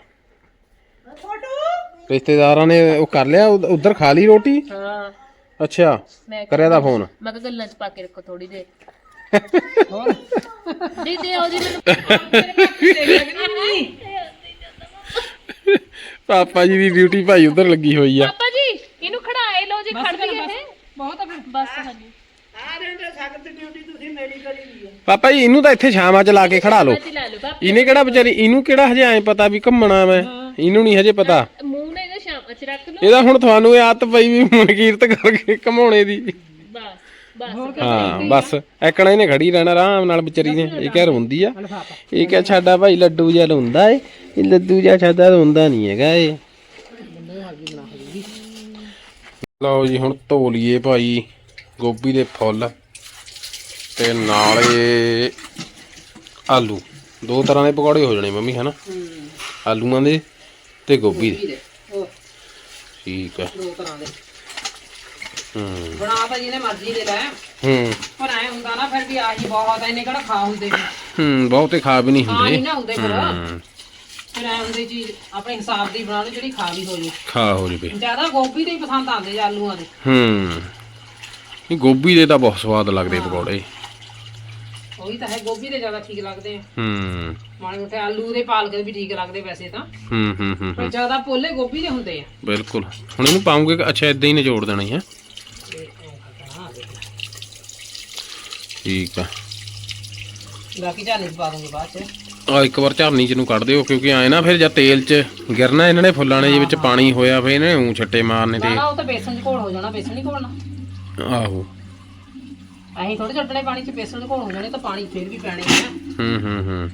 A: ਰਿਸ਼ਤੇਦਾਰਾਂ ਨੇ ਉਹ ਕਰ ਲਿਆ, ਉਧਰ ਖਾ ਲਈ ਰੋਟੀ।
B: ਹਾਂ
A: ਅੱਛਾ
B: ਮੈਂ
A: ਕਰਿਆ ਦਾ ਫੋਨ।
B: ਮੈਂ ਕਿਹਾ ਗੱਲਾਂ ਚ ਪਾ ਕੇ ਰੱਖੋ ਥੋੜੀ ਦੇਰ।
C: ਹੋਰ
B: ਦੀ ਦੇ ਉਹ ਜੀ
A: ਪਾਪਾ ਜੀ ਦੀ ਡਿਊਟੀ ਭਾਈ ਉਧਰ ਲੱਗੀ ਹੋਈ ਆ।
B: ਪਾਪਾ ਜੀ ਇਹਨੂੰ ਖੜਾਏ ਲਓ ਜੀ, ਖੜ ਗਈ ਇਹ
C: ਬਹੁਤ ਆ ਫਿਰ।
B: ਬਸ ਹਾਂਜੀ
A: ਪਾਪਾ ਜੀ ਇਹਨੂੰ ਤਾਂ ਇੱਥੇ ਛਾਵਾਂ ਚ ਲਾ ਕੇ ਖੜਾ ਲਓ।
B: ਜੀ ਲੈ ਲਓ ਪਾਪਾ।
A: ਇਹਨੇ ਕਿਹੜਾ ਵਿਚਾਰੀ, ਇਹਨੂੰ ਕਿਹੜਾ ਹਜੇ ਐ ਪਤਾ ਵੀ ਘੁੰਮਣਾ ਮੈਂ, ਇਹਨੂੰ ਨਹੀਂ ਹਜੇ ਪਤਾ।
B: ਮੂੰਹ ਨੇ ਇਹਦਾ ਸ਼ਾਮ ਚ ਰੱਖ ਲਓ
A: ਇਹਦਾ ਹੁਣ ਤੁਹਾਨੂੰ ਇਹ ਆਦਤ ਪਈ ਵੀ ਮਨਕੀਰਤ ਕਰਕੇ ਘਮਾਉਣੇ ਦੀ।
B: ਬਸ ਬਸ
A: ਹਾਂ ਬਸ ਐਕਣਾ ਇਹਨੇ ਖੜੀ ਰਹਿਣਾ ਆਰਾਮ ਨਾਲ ਵਿਚਾਰੀ ਨੇ। ਇਹ ਕਹਿ ਰੋਂਦੀ ਆ, ਇਹ ਕਹਿ ਸਾਡਾ ਭਾਈ ਲੱਡੂ ਜਿਹਾ ਰੋਂਦਾ ਏ, ਇਹ ਲੱਡੂ ਜਿਹਾ ਸਾਡਾ ਰੋਂਦਾ ਨਹੀਂ ਹੈਗਾ ਏ। ਲਓ ਜੀ ਹੁਣ ਧੋ ਲਈਏ ਭਾਈ ਗੋਭੀ ਦੇ ਫੁੱਲ ਤੇ ਨਾਲੇ ਆਲੂ। ਦੋ ਤਰ੍ਹਾਂ ਦੇ ਪਕੌੜੇ ਹੋ ਜਾਣੇ ਮੰਮੀ ਹਨਾ, ਆਲੂਆਂ ਦੇ ਤੇ ਗੋਭੀ ਦੇ। ਠੀਕ ਆ
C: ਦੋ ਤਰ੍ਹਾਂ ਦੇ
A: ਹੂੰ
C: ਬਣਾ ਤਾਂ ਜਿਹਨੇ ਮਰਜ਼ੀ ਦੇ ਲੈ,
A: ਹੂੰ
C: ਪਰ ਐ ਹੁੰਦਾ ਨਾ ਫਿਰ ਵੀ ਆਹੀ ਬਹੁਤ ਆ, ਇਹਨੇ ਕਿਹੜਾ ਖਾ ਹੁੰਦੇ ਨੇ।
A: ਹੂੰ ਬਹੁਤੇ ਖਾ ਵੀ ਨਹੀਂ
C: ਹਾਂ
A: ਹੁੰਦੇ।
C: ਨਹੀਂ ਨਾ ਹੁੰਦੇ ਫਿਰ
A: ਹੂੰ
C: ਫਿਰ ਐ ਹੁੰਦੀ ਚੀਜ਼ ਆਪਣੇ ਹਿਸਾਬ ਦੀ ਬਣਾ ਲਓ ਜਿਹੜੀ ਖਾ ਵੀ ਹੋ ਜੇ।
A: ਖਾ ਹੋ ਜਵੇ।
C: ਜ਼ਿਆਦਾ ਗੋਭੀ ਦੇ ਹੀ ਪਸੰਦ ਆਉਂਦੇ ਜਾਂ ਆਲੂਆਂ ਦੇ।
A: ਹੂੰ ਇਹ ਗੋਭੀ ਦੇ ਤਾਂ ਬਹੁਤ ਸਵਾਦ ਲੱਗਦੇ ਪਕੌੜੇ।
C: ਉਹੀ ਤਾਂ ਹੈ, ਗੋਭੀ ਦੇ ਜ਼ਿਆਦਾ ਠੀਕ ਲੱਗਦੇ ਆ।
A: ਹੂੰ
C: ਮਾੜੇ ਮੋਟੇ ਆਲੂ ਦੇ ਪਾਲਕ ਦੇ ਵੀ ਠੀਕ ਲੱਗਦੇ ਵੈਸੇ ਤਾਂ,
A: ਹੂੰ ਹੂੰ ਹੂੰ
C: ਪਰ ਜ਼ਿਆਦਾ ਪੋਲੇ ਗੋਭੀ ਦੇ ਹੁੰਦੇ ਆ।
A: ਬਿਲਕੁਲ। ਹੁਣ ਇਹਨੂੰ ਪਾਉਂਗੇ ਕਿ ਅੱਛਾ ਇਦਾਂ ਹੀ ਨਿਚੋੜ ਦੇਣਾ ਹੈ। ਠੀਕ ਆ
C: ਬਾਕੀ ਝਾਨੀ ਚ ਪਾ ਦੂੰਗੀ ਬਾਅਦ ਚ।
A: ਆ ਇੱਕ ਵਾਰ ਝਰਨੀ ਚ ਨੂੰ ਕੱਢ ਦਿਓ, ਕਿਉਂਕਿ ਆਏ ਨਾ ਫਿਰ ਜਾਂ ਤੇਲ ਚ ਗਿਰਨਾ ਇਹਨਾਂ ਨੇ ਫੁੱਲਾਂ ਨੇ, ਜੇ ਵਿੱਚ ਪਾਣੀ ਹੋਇਆ ਫਿਰ ਇਹਨੇ ਊਂ ਛੱਟੇ ਮਾਰਨੇ ਤੇ।
C: ਨਾ ਉਹ ਤਾਂ ਬੇਸਣ ਚ ਘੋਲ ਹੋ ਜਾਣਾ, ਬੇਸਣ ਹੀ ਘੋਲਣਾ।
A: ਆਹੋ
C: ਅਸੀਂ ਥੋੜੇ ਛੱਡਣੇ ਪਾਣੀ ਚ, ਬੇਸਣ ਚ ਘੋਲ ਹੋ ਜਾਣੇ ਤਾਂ ਪਾਣੀ ਫਿਰ ਵੀ ਪੈਣੇ ਆ।
A: ਹੂੰ ਹੂੰ ਹੂੰ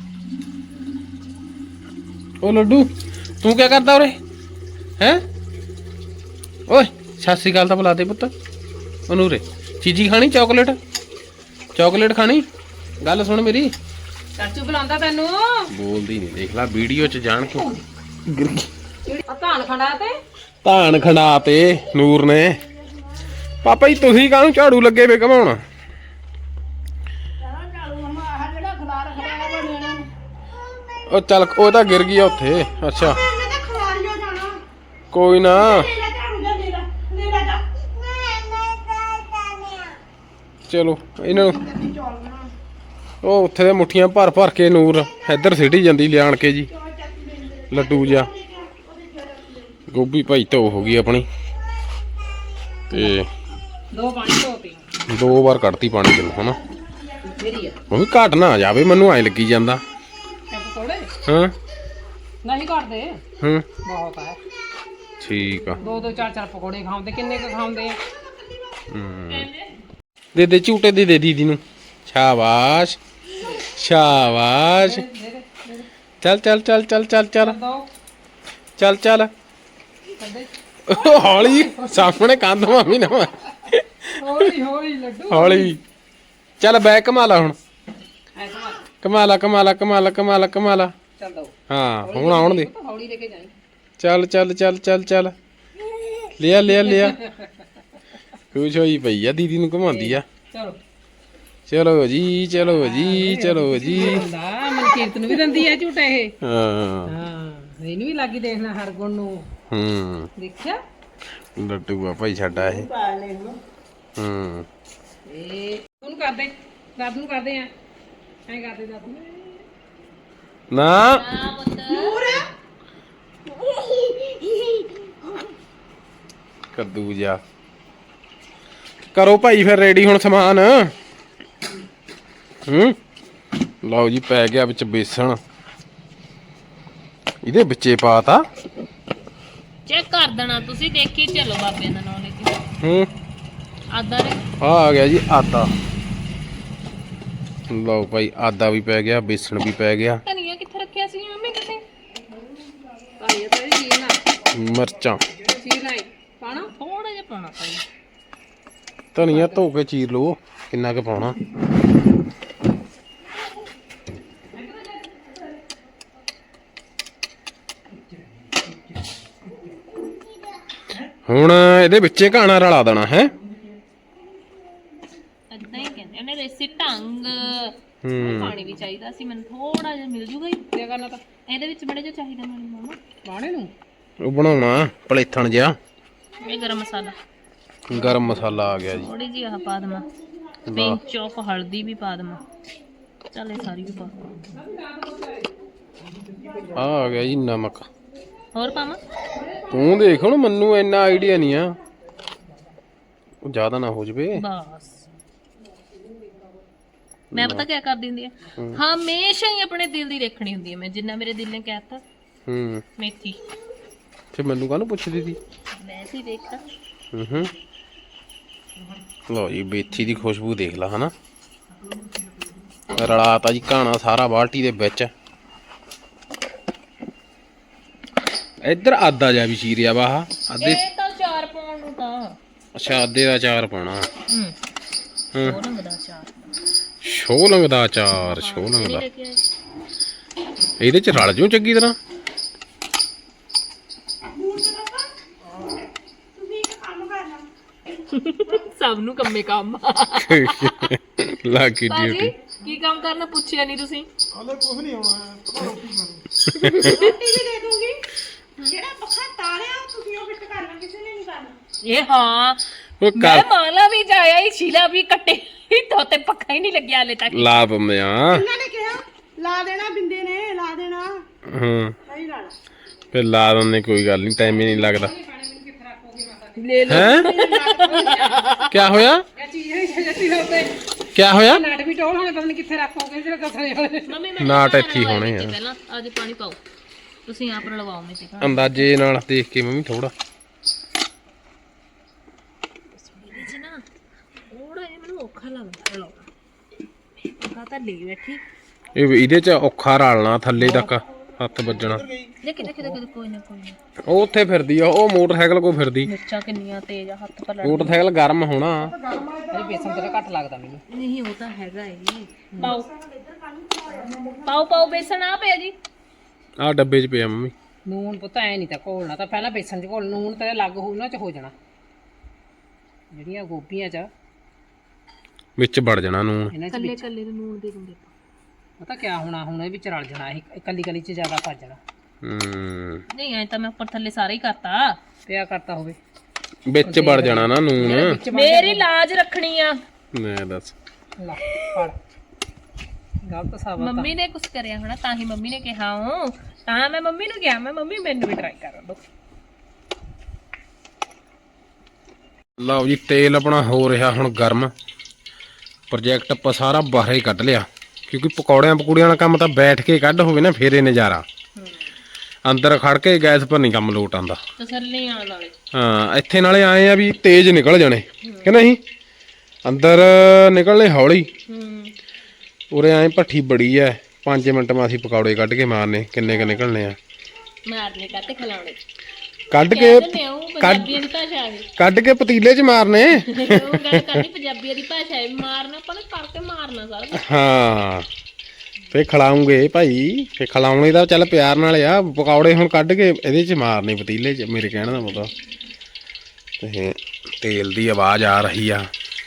A: ਉਹ ਲੱਡੂ ਤੂੰ ਕੀ ਕਰਦਾ ਉਰੇ ਹੈ? ਓਏ ਸਤਿ ਸ਼੍ਰੀ ਅਕਾਲ ਤਾਂ ਬੁਲਾ ਦੇ ਪੁੱਤ ਉਹਨੂੰ। ਉਰੇ ਚੀਜ਼ੀ ਖਾਣੀ, ਚਾਕਲੇਟ ਚਾਕਲੇਟ ਖਾਣੀ? ਗੱਲ ਸੁਣ ਮੇਰੀ।
C: ਚਾਚੂ ਬੁਲਾਉਂਦਾ ਤੈਨੂੰ।
A: ਬੋਲਦੀ ਨਹੀਂ, ਦੇਖ ਲੈ ਵੀਡੀਓ ਚ ਜਾਣ ਕਿਉਂ ਗਿਰ ਗਈ।
C: ਜਿਹੜੀ ਆ ਧਾਨ ਖੜਾ ਤੇ
A: ਧਾਨ ਖੰਡਾ ਤੇ ਨੂਰ ਨੇ। ਪਾਪਾ ਜੀ ਤੁਸੀਂ ਕਾਹਨੂੰ ਝਾੜੂ ਲੱਗੇ ਵੇ ਘਮਾਉਣ? ਉਹ ਚੱਲ ਉਹ ਤਾਂ ਗਿਰ ਗਈ ਆ ਉੱਥੇ। ਅੱਛਾ ਕੋਈ ਨਾ ਚਲੋ ਇਹਨਾਂ ਨੂੰ ਉਹ ਉੱਥੇ ਦੇ ਮੁੱਠੀਆਂ ਭਰ ਭਰ ਕੇ ਨੂਰ ਇੱਧਰ ਸਿੱਟੀ ਜਾਂਦੀ ਲਿਆਣ ਕੇ ਜੀ ਲੱਡੂ ਜਿਹਾ। ਗੋਭੀ ਭਾਈ ਧੋ ਹੋ ਗਈ ਆਪਣੀ ਤੇ
C: ਦੋ ਪਾਣੀ ਧੋਤੀ
A: ਦੋ ਵਾਰ ਕੱਢਤੀ ਪਾਣੀ ਚ ਹਨਾ।
C: ਮੇਰੀ ਆ
A: ਮੰਮੀ ਘਟ ਨਾ ਜਾਵੇ, ਮੈਨੂੰ ਐਂ ਲੱਗੀ ਜਾਂਦਾ।
C: ਥੋੜੇ
A: ਹਾਂ
C: ਨਹੀਂ ਕਰਦੇ,
A: ਹੂੰ
C: ਬਹੁਤ ਹੈ।
A: ਠੀਕ ਆ।
C: ਦੋ ਦੋ ਚਾਰ ਚਾਰ ਪਕੌੜੇ ਖਾਉਂਦੇ, ਕਿੰਨੇ ਕੁ ਖਾਉਂਦੇ ਆ।
A: ਹੂੰ ਦੇ ਦੇ ਝੂਟੇ ਦੇ ਦੇ ਦੀਦੀ ਨੂੰ। ਸ਼ਾਬਾਸ਼ ਸ਼ਾਬਾਸ਼। ਚੱਲ ਚੱਲ ਚੱਲ ਚੱਲ ਚੱਲ ਚੱਲ
C: ਦੋ
A: ਚੱਲ ਚੱਲ
C: ਕੱਢੇ
A: ਹੌਲੀ ਸਾਹਮਣੇ ਕੰਧ ਮਾਮੀ ਨਾ ਮਾਰ।
C: ਹੌਲੀ ਹੌਲੀ ਲੱਡੂ
A: ਹੌਲੀ ਚੱਲ ਬੈਕ ਕਮਾ ਲਾ ਹੁਣ।
C: ਐ ਕਮਾ
A: ਕਮਾਲਾ ਕਮਾਲਾ ਕਮਾਲਾ ਕਮਾਲਾ ਕਮਾਲਾ।
C: ਚੱਲ ਦੋ
A: ਹਾਂ ਹੁਣ ਆਉਣ ਦੇ।
C: ਹੌਲੀ ਲੈ ਕੇ ਜਾਈ।
A: ਚੱਲ ਚੱਲ ਚੱਲ ਚੱਲ ਚੱਲ ਲਿਆ ਲਿਆ ਲਿਆ। ਖੁਸ਼ ਹੋਈ ਪਈ ਆ, ਦੀਦੀ ਨੂੰ ਘੁਮਾਉਂਦੀ ਆ।
C: ਚਲੋ
A: ਚਲੋ ਜੀ ਚਲੋ ਜੀ ਚਲੋ ਜੀ।
C: ਹੁੰਦਾ ਮਨਕੀਰਤ ਨੂੰ ਵੀ ਦਿੰਦੀ ਆ ਝੂਟਾ ਇਹ।
A: ਹਾਂ
C: ਹਾਂ ਇਹਨੂੰ ਵੀ ਲੱਗੀ ਦੇਖਣਾ ਹਰਗੁਣ ਨੂੰ।
A: ਹੂੰ
C: ਦੇਖਿਆ
A: ਲੱਡੂ ਆ ਭਾਈ ਸਾਡਾ ਇਹ। ਹੂੰ
C: ਇਹ ਉਹਨੂੰ ਕਰਦੇ ਦਾਦੂ ਨੂੰ ਕਰਦੇ ਆ ਐਂ ਕਰਦੇ ਦਾਦੂ
A: ਨਾ
B: ਆ ਪੁੱਤ
A: ਕੱਦੂ ਜਾ ਕਰੋ ਭਾਈ ਫਿਰ ਰੈਡੀ ਹੁਣ ਸਮਾਨ ਹੂੰ ਲਓ ਜੀ ਪੈ ਗਿਆ ਵਿੱਚ ਬੇਸਣ ਇਹਦੇ ਵਿੱਚੇ ਪਾਤਾ
B: ਚੈੱਕ ਕਰ ਦੇਣਾ ਤੁਸੀਂ ਦੇਖੀ ਚਲੋ ਬਾਬੇ ਦਾ ਨਾਮ ਲੈ ਕੇ
A: ਹੂੰ
B: ਆਦਾ ਰੇ
A: ਆ ਆ ਗਿਆ ਜੀ ਆਦਾ ਲਓ ਭਾਈ ਆਦਾ ਵੀ ਪੈ ਗਿਆ ਬੇਸਣ ਵੀ ਪੈ ਗਿਆ
B: ਧਨੀਆ ਕਿੱਥੇ ਰੱਖਿਆ ਸੀ ਮੰਮੀ ਤੁਸੀਂ
C: ਭਾਈ ਤੇ ਜੀ ਨਾ
A: ਮਿਰਚਾਂ
C: ਜੀ ਲਾਈ ਪਾਣਾ
B: ਥੋੜਾ ਜਿਹਾ ਪਾਉਣਾ ਭਾਈ
A: ਧਨੀਆ ਧੋ ਕੇ ਚੀਰ ਲਓ ਕਿੰਨਾ ਕੁ ਪਾਉਣਾ ਹੁਣ ਇਹਦੇ ਵਿੱਚੇ ਘਾਣਾ ਰਲਾ ਦੇਣਾ ਹੈ
B: ਏਦਾਂ ਹੀ ਕਹਿੰਦੇ ਉਹਨੇ ਰੇਸੀ ਢੰਗ
A: ਹੂੰ
B: ਪਾਣੀ ਵੀ ਚਾਹੀਦਾ ਸੀ ਮੈਨੂੰ ਥੋੜਾ ਜਿਹਾ ਮਿਲ ਜੂਗਾ ਹੀ
C: ਕੀ ਕਰਨਾ ਤਾਂ
B: ਇਹਦੇ ਵਿੱਚ ਬੜੇ ਜਿਹਾ ਚਾਹੀਦਾ ਮੈਨੂੰ ਮਾਮਾ
C: ਪਾਣੇ ਨੂੰ
A: ਉਹ ਬਣਾਉਣਾ ਪਲੇਥਣ ਜਿਹਾ
B: ਇਹ ਗਰਮ ਮਸਾਲਾ
A: ਗਰਮ ਮਸਾਲਾ ਆ ਗਿਆ ਜੀ
B: ਥੋੜੀ ਜਿਹੀ ਆਹ ਪਾ ਦੇਵਾਂ ਪਿੰਚ ਆਫ ਹਲਦੀ ਵੀ ਪਾ ਦੇਵਾਂ ਚੱਲ ਇਹ ਸਾਰੀ ਵੀ ਪਾ
A: ਆ ਆ ਗਿਆ ਜੀ ਨਮਕ
B: ਹੋਰ ਪਾਵਾਂ
A: ਤੂੰ ਦੇਖ ਹੁਣ ਮੈਨੂੰ ਇੰਨਾ ਆਈਡੀਆ ਨਹੀਂ ਆ ਉਹ ਜ਼ਿਆਦਾ ਨਾ ਹੋ ਜਵੇ
B: ਬਸ ਮੈਂ ਪਤਾ ਕੀ ਕਰ ਦਿੰਦੀ ਆ ਹਮੇਸ਼ਾ ਹੀ ਆਪਣੇ ਦਿਲ ਦੀ ਦੇਖਣੀ ਹੁੰਦੀ ਹੈ ਮੈਂ ਜਿੰਨਾ ਮੇਰੇ ਦਿਲ ਨੇ ਕਹਿਤਾ
A: ਹੂੰ
B: ਮੇਥੀ
A: ਤੇ ਮੈਨੂੰ ਕਾਹਨੂੰ ਪੁੱਛਦੀ ਸੀ
B: ਵੈਸੇ ਹੀ ਦੇਖਤਾ
A: ਹੂੰ ਹੂੰ ਲਓ ਜੀ ਮੇਥੀ ਦੀ ਖੁਸ਼ਬੂ ਦੇਖ ਲਾ ਹਨਾ ਰਲਾਤਾ ਜੀ ਘਾਣਾ ਸਾਰਾ ਬਾਲਟੀ ਦੇ ਵਿੱਚ ਇੱਧਰ ਆਦਾ ਜਾ ਵੀ ਚੀਰਿਆ ਵਾ ਆਹ ਅੱਧੇ
B: ਇਹ ਤਾਂ ਚਾਰ ਪਾਉਣ ਨੂੰ ਤਾਂ
A: ਅੱਛਾ ਅੱਧੇ ਦਾ ਚਾਰ ਪਾਉਣਾ
B: ਹੂੰ
A: ਹੂੰ
B: ਉਹ ਰੰਗ ਦਾ ਚਾਰ
A: ਸ਼ੋਲੰਗ ਦਾ ਚਾਰ ਸ਼ੋਲੰਗ
B: ਨਹੀਂ
A: ਦਾ
B: ਲੈ ਕੇ ਆਏ
A: ਇਹਦੇ ਚ ਰਲ ਜੂ ਚੰਗੀ ਤਰ੍ਹਾਂ
B: ਸਭ ਨੂੰ ਕੰਮੇ ਕੰਮ
A: ਲਾਗੀ
B: ਬਾਜੀ
A: ਡਿਊਟੀ
B: ਕੀ ਕੰਮ ਕਰਨਾ ਪੁੱਛਿਆ ਨਹੀਂ ਤੁਸੀਂ
D: ਹਾਲੇ ਕੁਝ ਨਹੀਂ ਹੋਣਾ ਜਿਹੜਾ ਪੱਖਾ ਤਾਰਿਆ ਤੁਸੀਂ ਉਹ ਫਿੱਟ ਕਰਨਾ ਕਿਸੇ ਨੇ ਨਹੀਂ ਕਰਨਾ
B: ਇਹ ਹਾਂ
A: ਉਹ
B: ਮੈਂ
A: ਕਰ
B: ਮਾਲਾ ਵੀ ਜਾਇਆ ਹੀ ਸ਼ੀਲਾ ਵੀ ਕੱਟੇ ਤੋਤੇ ਪੱਖਾ ਹੀ ਨਹੀਂ ਲੱਗਿਆ ਹਲੇ ਤੱਕ
A: ਲਾ ਦਿੰਦੇ ਆ
D: ਇਹਨਾਂ ਨੇ ਕਿਹਾ ਲਾ ਦੇਣਾ ਬਿੰਦੇ ਨੇ ਲਾ ਦੇਣਾ
A: ਹਾਂ
D: ਸਹੀ ਲਾਣਾ
A: ਫਿਰ ਲਾ ਦਿੰਦੇ ਕੋਈ ਗੱਲ ਨਹੀਂ ਟਾਈਮ ਹੀ ਨਹੀਂ ਲੱਗਦਾ
B: ਲੈ ਲਓ
A: ਹੈ ਕੀ ਹੋਇਆ
C: ਇਹ ਚੀਜ਼ ਨਹੀਂ ਜੱਤੀ ਹੋਵੇ
A: ਕੀ ਹੋਇਆ
C: ਨਾਟ ਵੀ ਟੋਲ ਹੋਣੇ ਪਤਾ ਨਹੀਂ ਕਿੱਥੇ ਰੱਖੋਗੇ ਜਿਹੜਾ ਕਸਰੇ ਵਾਲੇ
B: ਮੰਮੀ ਮੈਂ
A: ਨਾਟ ਇੱਥੇ ਹੀ ਹੋਣੇ ਆ
B: ਪਹਿਲਾਂ ਅੱਜ ਪਾਣੀ ਪਾਓ ਤੁਸੀਂ ਆਪ ਲਗਵਾਓ ਮੈਂ ਤੇ
A: ਅੰਦਾਜ਼ੇ ਨਾਲ ਦੇਖ ਕੇ ਮੰਮੀ ਥੋੜਾ
B: ਇਹਦੇ ਚ ਨਾ ਥੋੜਾ ਜਿਹਾ ਮੈਨੂੰ ਔਖਾ ਲੱਗਦਾ ਲਾਉਣਾ ਕਾ ਤਾਂ ਲੈ ਬੈਠੀ
A: ਇਹ ਇਹਦੇ ਚ ਔਖਾ ਰਲਣਾ ਥੱਲੇ ਤੱਕ ਹੱਥ ਵੱਜਣਾ
B: ਦੇਖੀ ਦੇਖੀ ਦੇਖੀ ਕੋਈ ਨਾ ਕੋਈ ਨਾ
A: ਉਹ ਉੱਥੇ ਫਿਰਦੀ ਆ ਉਹ ਮੋਟਰਸਾਈਕਲ ਕੋ ਫਿਰਦੀ
B: ਮਿਰਚਾਂ ਕਿੰਨੀਆਂ ਤੇਜ਼ ਆ ਹੱਥ ਪਰ ਲੜ
A: ਮੋਟਰਸਾਈਕਲ ਗਰਮ ਹੋਣਾ
C: ਇਹ ਬੇਸਨ ਤੇ ਘੱਟ ਲੱਗਦਾ ਮੈਨੂੰ
B: ਨਹੀਂ ਉਹ ਤਾਂ ਹੈਗਾ ਹੀ ਪਾਓ ਪਾਓ ਪਾਓ ਬੇਸਣ ਆ ਪਿਆ ਜੀ
A: ਆਹ ਡੱਬੇ 'ਚ ਪਿਆ ਮੰਮੀ
C: ਨੂਨ ਪੁੱਤ ਐ ਨਹੀਂ ਤਾਂ ਘੋਲਣਾ ਤਾਂ ਪਹਿਲਾਂ ਬੇਸਨ ਚ ਘੋਲ ਨੂਨ ਤੇ ਲੱਗ ਹੋ ਉਹਨਾਂ ਚ ਹੋ ਜਾਣਾ ਜਿਹੜੀਆਂ ਗੋਭੀਆਂ ਚ
A: ਵਿੱਚ ਵੜ ਜਾਣਾ ਨੂਨ
C: ਇਹਨਾਂ ਚ
B: ਕੱਲੇ ਕੱਲੇ ਨੂੰ ਨੂਣ ਦੇ ਦਿੰਦੇ
C: ਪਤਾ ਕਿਆ ਹੋਣਾ ਹੁਣ ਇਹ ਵਿੱਚ ਰਲ ਜਾਣਾ ਇਹ ਇਕੱਲੀ ਇਕੱਲੀ ਚ ਜ਼ਿਆਦਾ ਭੱਜ ਜਾਣਾ
A: ਹੂੰ
B: ਨਹੀਂ ਐ ਤਾਂ ਮੈਂ ਉੱਪਰ ਥੱਲੇ ਸਾਰਾ ਹੀ ਕਰਤਾ
C: ਪਿਆ ਕਰਤਾ ਹੋਵੇ
A: ਵਿੱਚ ਵੜ ਜਾਣਾ ਨਾ ਨੂਨ
C: ਵਿੱਚ
B: ਮੇਰੀ ਲਾਜ ਰੱਖਣੀ ਆ
A: ਮੈਂ ਦੱਸ
C: ਲਾ ਫੜ ਗਲਤ ਸਾਬਤ ਆ
B: ਮੰਮੀ ਨੇ ਕੁਝ ਕਰਿਆ ਹੋਣਾ ਤਾਂ ਹੀ ਮੰਮੀ ਨੇ ਕਿਹਾ ਹੂੰ ਤਾਂ ਮੈਂ ਮੰਮੀ ਨੂੰ ਕਿਹਾ ਮੈਂ ਮੰਮੀ ਮੈਨੂੰ ਵੀ ਟਰਾਈ ਕਰਨ ਦੋ
A: ਲਓ ਜੀ ਤੇਲ ਆਪਣਾ ਹੋ ਰਿਹਾ ਹੁਣ ਗਰਮ ਪ੍ਰੋਜੈਕਟ ਆਪਾਂ ਸਾਰਾ ਬਾਹਰ ਹੀ ਕੱਢ ਲਿਆ ਕਿਉਂਕਿ ਪਕੌੜਿਆਂ ਪਕੂੜਿਆਂ ਦਾ ਕੰਮ ਤਾਂ ਬੈਠ ਕੇ ਕੱਢ ਹੋਵੇ ਨਾ ਫੇਰੇ ਨਜ਼ਾਰਾ ਅੰਦਰ ਖੜ ਕੇ ਗੈਸ ਪਰ ਨਹੀਂ ਕੰਮ ਲੋਟ ਆਂਦਾ
B: ਤਸੱਲੀ ਆਣ ਵਾਲੇ
A: ਹਾਂ ਇੱਥੇ ਨਾਲੇ ਆਏ ਆ ਵੀ ਤੇਜ਼ ਨਿਕਲ ਜਾਣੇ ਕਿ ਨਹੀਂ ਅੰਦਰ ਨਿਕਲਣੇ ਹੌਲੀ
B: ਹੂੰ
A: ਉਰੇ ਐ ਭੱਠੀ ਬੜੀ ਐ ਪੰਜ ਮਿੰਟ ਮਾ ਅਸੀਂ ਪਕੌੜੇ ਕੱਢ ਕੇ ਮਾਰਨੇ ਕਿੰਨੇ ਕ ਨਿਕਲਣੇ ਆ
B: ਮਾਰਨੇ ਕੱਟ ਖਿਲਾਉਣੇ
A: ਕੱਢ ਕੇ
B: ਕਹਿੰਦੇ ਉਹ ਪੰਜਾਬੀਆਂ ਦੀ ਭਾਸ਼ਾ ਆ ਗਈ
A: ਕੱਢ ਕੇ ਪਤੀਲੇ 'ਚ ਮਾਰਨੇ
B: ਉਹ ਗੱਲ ਕਰਨੀ ਪੰਜਾਬੀਆਂ ਦੀ ਭਾਸ਼ਾ ਹੈ ਮਾਰਨਾ ਆਪਾਂ ਨੇ ਕਰਕੇ ਮਾਰਨਾ ਸਾਰਾ ਕੁਛ।
A: ਹਾਂ ਫੇ ਖਿਲਾਉਂਗੇ ਭਾਈ ਫੇ ਖਿਲਾਉਣੇ ਦਾ ਚੱਲ ਪਿਆਰ ਨਾਲ ਆ ਪਕੌੜੇ ਹੁਣ ਕੱਢ ਕੇ ਇਹਦੇ 'ਚ ਮਾਰਨੇ ਪਤੀਲੇ 'ਚ ਮੇਰੇ ਕਹਿਣ ਦਾ ਮਤਲਬ ਤੇ ਤੇਲ ਦੀ ਆਵਾਜ਼ ਆ ਰਹੀ ਆ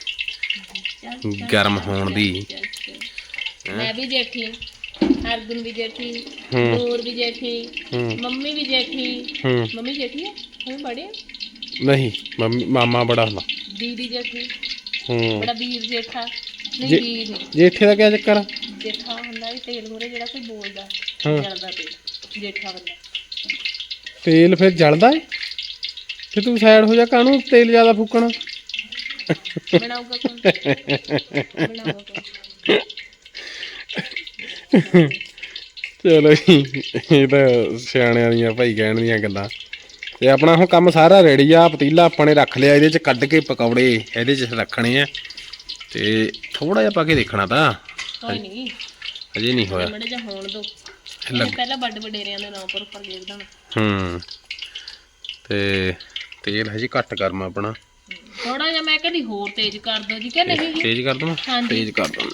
A: ਗਰਮ ਹੋਣ ਦੀ
B: ਮੈਂ ਵੀ ਜੇਠੀ ਹਰਗੁਣ ਵੀ ਜੇਠੀ
A: ਹੂੰ
B: ਨੂਰ ਵੀ ਜੇਠੀ
A: ਹੂੰ
B: ਮੰਮੀ ਵੀ ਜੇਠੀ
A: ਹੂੰ
B: ਮੰਮੀ ਜੇਠੀ ਹੈ हम बड़े
A: नहीं मम्मी मामा बड़ा ਹੁੰਦਾ
B: दीदी जेठी
A: ਹੂੰ
B: बड़ा ਵੀਰ ਜੇਠਾ ਨਹੀਂ
A: ਜੇ-
B: ਵੀਰ ਨਹੀਂ
A: ਜੇਠੇ ਦਾ ਕੀ ਚੱਕਰ ਆ
B: ਜੇਠਾ ਹੁੰਦਾ ਵੀ ਤੇਲ ਮੂਰੇ ਜਿਹੜਾ ਕੋਈ ਬੋਲਦਾ ਜਲਦਾ ਤੇਲ ਜੇਠਾ ਬੰਦਾ
A: ਤੇਲ ਫਿਰ ਜਲਦਾ ਏ ਤੇ ਤੂੰ ਸਾਈਡ ਹੋ ਜਾ, ਕਾਹਨੂੰ ਤੇਲ ਜ਼ਿਆਦਾ ਫੂਕਣਾ।
B: ਬਣਾਊਗਾ ਕੌਣ ਬਣਾਊਗਾ ਕੌਣ
A: ਚਲੋ ਜੀ, ਇਹ ਤਾਂ ਸਿਆਣਿਆਂ ਦੀਆਂ ਭਾਈ ਕਹਿਣ ਦੀਆਂ ਗੱਲਾਂ। ਤੇ ਆਪਣਾ ਹੁਣ ਕੰਮ ਸਾਰਾ ਰੈਡੀ ਆ। ਪਤੀਲਾ ਆਪਾਂ ਨੇ ਰੱਖ ਲਿਆ, ਇਹਦੇ ਚ ਕੱਢ ਕੇ ਪਕੌੜੇ ਇਹਦੇ ਚ ਰੱਖਣੇ ਆ। ਤੇ ਥੋੜਾ ਜਿਹਾ ਪਾ ਕੇ ਦੇਖਣਾ ਤਾਂ
B: ਕੋਈ ਨਹੀਂ
A: ਅਜੇ ਨਹੀਂ ਹੋਇਆ।
B: ਮੜੇ ਜਾ ਹੋਣ ਦੋ, ਇਹ ਪਹਿਲਾਂ ਵੱਡ ਵਡੇਰਿਆਂ ਦੇ ਨਾਂ ਉੱਪਰ ਉੱਪਰ ਗੇਰ ਦੇਣਾ।
A: ਹੂੰ ਤੇ ਤੇਲ ਹਜੇ ਘੱਟ ਗਰਮ ਆਪਣਾ,
B: ਥੋੜਾ ਜਿਹਾ ਮੈਂ ਕਹਿੰਦੀ ਹੋਰ ਤੇਜ਼ ਕਰ ਦੋ ਜੀ ਕਿ ਨਹੀਂ ਜੀ?
A: ਤੇਜ਼ ਕਰ ਦਵਾਂ?
B: ਹਾਂਜੀ।
A: ਤੇਜ਼ ਕਰ ਦਵਾਂ।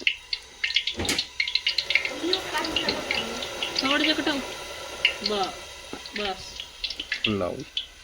B: ਥੋੜਾ ਜਿਹਾ ਘਟਾਓ ਬਸ ਬਸ।
A: ਲਓ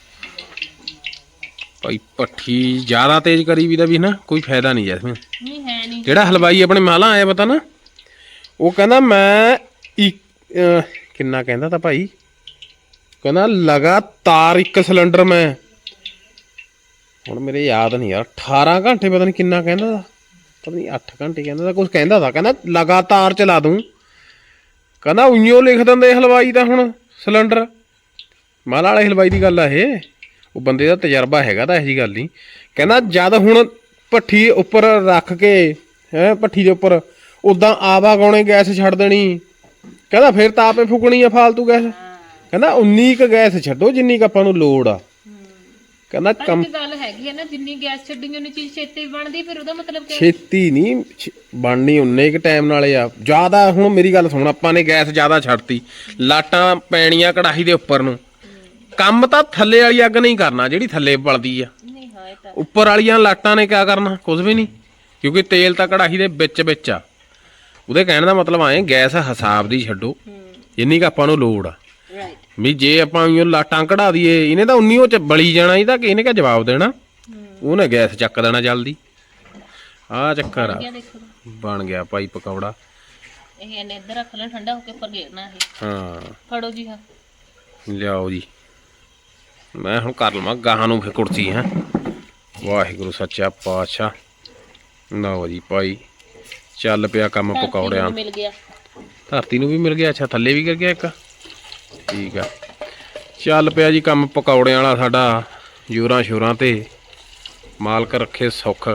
A: ਭਾਈ, ਭੱਠੀ ਜ਼ਿਆਦਾ ਤੇਜ਼ ਕਰੀ ਵੀ ਦਾ ਵੀ ਨਾ ਕੋਈ ਫਾਇਦਾ ਨਹੀਂ ਜੈਸਮੀਨ।
B: ਨਹੀਂ ਹੈ ਨਹੀਂ।
A: ਜਿਹੜਾ ਹਲਵਾਈ ਆਪਣੇ ਮਾਲਾ ਆਇਆ ਪਤਾ ਨਾ, ਉਹ ਕਹਿੰਦਾ ਮੈਂ ਇੱਕ ਅਹ ਕਿੰਨਾ ਕਹਿੰਦਾ ਤਾਂ ਭਾਈ, ਕਹਿੰਦਾ ਲਗਾਤਾਰ ਇੱਕ ਸਿਲੰਡਰ ਮੈਂ, ਹੁਣ ਮੇਰੇ ਯਾਦ ਨਹੀਂ ਯਾਰ, ਅਠਾਰਾਂ ਘੰਟੇ ਪਤਾ ਨਹੀਂ ਕਿੰਨਾ ਕਹਿੰਦਾ ਤਾ, ਪਤਾ ਨਹੀਂ ਅੱਠ ਘੰਟੇ ਕਹਿੰਦਾ ਤਾਂ ਕੁਝ ਕਹਿੰਦਾ ਤਾ, ਕਹਿੰਦਾ ਲਗਾਤਾਰ ਚਲਾ ਦੂੰ। ਕਹਿੰਦਾ ਉਈਓ ਲਿਖ ਦਿੰਦੇ ਹਲਵਾਈ ਦਾ ਹੁਣ ਸਿਲੰਡਰ। ਮਾਲਾ ਵਾਲੇ ਹਲਵਾਈ ਦੀ ਗੱਲ ਆ ਇਹ, ਉਹ ਬੰਦੇ ਦਾ ਤਜਰਬਾ ਹੈਗਾ ਤਾਂ ਇਹੋ ਜਿਹੀ ਗੱਲ ਨਹੀਂ। ਕਹਿੰਦਾ ਜਦ ਹੁਣ ਭੱਠੀ ਉੱਪਰ ਰੱਖ ਕੇ ਹੈ, ਭੱਠੀ ਦੇ ਉੱਪਰ ਉਦਾਂ ਆਵਾ ਗਾਉਣੇ ਗੈਸ ਛੱਡ ਦੇਣੀ, ਕਹਿੰਦਾ ਫਿਰ ਤਾਂ ਆਪੇ ਫੁਕਣੀ ਆ ਫਾਲਤੂ ਗੈਸ। ਕਹਿੰਦਾ ਉਨੀ ਕੁ ਗੈਸ ਛੱਡੋ ਜਿੰਨੀ ਕੁ ਆਪਾਂ ਨੂੰ ਲੋੜ ਆ। ਕਹਿੰਦਾ ਕੰਮ
B: ਇੱਕ ਗੱਲ ਹੈਗੀ ਹੈ ਨਾ, ਜਿੰਨੀ ਗੈਸ ਛੱਡਣੀ ਉਨੀ ਚੀਜ਼ ਛੇਤੀ ਬਣਦੀ, ਫਿਰ ਉਹਦਾ ਮਤਲਬ ਕਿ
A: ਛੇਤੀ ਨਹੀਂ ਬਣਨੀ, ਉਨੇ ਕੁ ਟਾਈਮ ਨਾਲੇ ਆ ਜ਼ਿਆਦਾ। ਹੁਣ ਮੇਰੀ ਗੱਲ ਸੁਣ, ਆਪਾਂ ਨੇ ਗੈਸ ਜ਼ਿਆਦਾ ਛੱਡਤੀ, ਲਾਟਾਂ ਪੈਣੀਆਂ ਕੜਾਹੀ ਦੇ ਉੱਪਰ ਨੂੰ। ਕੰਮ ਤਾਂ ਥੱਲੇ ਵਾਲੀ ਅੱਗ ਨਹੀਂ ਕਰਨਾ ਜਿਹੜੀ ਥੱਲੇ ਬਲਦੀ ਆ,
B: ਨਹੀਂ। ਹਾਂ ਇਹ ਤਾਂ
A: ਉੱਪਰ ਵਾਲੀਆਂ ਲਾਟਾਂ ਨੇ ਕਿਆ ਕਰਨਾ, ਕੁਝ ਵੀ ਨਹੀਂ, ਕਿਉਂਕਿ ਤੇਲ ਤਾਂ ਕੜਾਹੀ ਦੇ ਵਿੱਚ ਵਿੱਚ ਆ। ਉਹਦੇ ਕਹਿਣ ਦਾ ਮਤਲਬ ਆਏ ਗੈਸ ਹਿਸਾਬ ਦੀ ਛੱਡੋ ਜਿੰਨੀ ਕੁ ਆਪਾਂ ਨੂੰ ਲੋੜ ਆ।
B: ਰਾਈਟ
A: ਵੀ ਜੇ ਆਪਾਂ ਉਹ ਲਾਟਾਂ ਕਢਾ ਦਈਏ, ਇਹਨੇ ਤਾਂ ਉਨੀ ਉਹ ਚ ਬਲੀ ਜਾਣਾ, ਇਹਦਾ ਕਿ ਇਹਨੇ ਕਿਆ ਜਵਾਬ ਦੇਣਾ, ਉਹਨੇ ਗੈਸ ਚੱਕ ਦੇਣਾ ਜਲਦੀ। ਆਹ ਚੱਕਰ ਆ।
B: ਦੇਖੋ
A: ਬਣ ਗਿਆ ਭਾਈ ਪਕੌੜਾ।
B: ਇਹ ਇਹਨੇ ਇੱਧਰ ਰੱਖ ਲੈ, ਠੰਡਾ ਹੋ ਕੇ ਉੱਪਰ ਗੇਰਨਾ ਇਹ।
A: ਹਾਂ
B: ਫੜੋ ਜੀ। ਹਾਂ
A: ਲਿਆਓ ਜੀ, ਮੈਂ ਹੁਣ ਕਰ ਲਵਾਂ ਗਾਹਾਂ ਨੂੰ ਫਿਰ ਕੁਰਸੀ। ਹੈ ਵਾਹਿਗੁਰੂ ਸੱਚਾ ਪਾਤਸ਼ਾਹ। ਲਓ ਜੀ ਭਾਈ, ਚੱਲ ਪਿਆ ਕੰਮ ਪਕੌੜਿਆਂ।
B: ਮਿਲ ਗਿਆ
A: ਧਰਤੀ ਨੂੰ ਵੀ ਮਿਲ ਗਿਆ। ਅੱਛਾ ਥੱਲੇ ਵੀ ਗਿਰ ਗਿਆ ਇੱਕ। ਠੀਕ ਆ, ਚੱਲ ਪਿਆ ਜੀ ਕੰਮ ਪਕੌੜਿਆਂ ਵਾਲਾ ਸਾਡਾ ਜ਼ੋਰਾਂ ਸ਼ੋਰਾਂ ਤੇ। ਮਾਲਕ ਰੱਖੇ ਸੁੱਖ,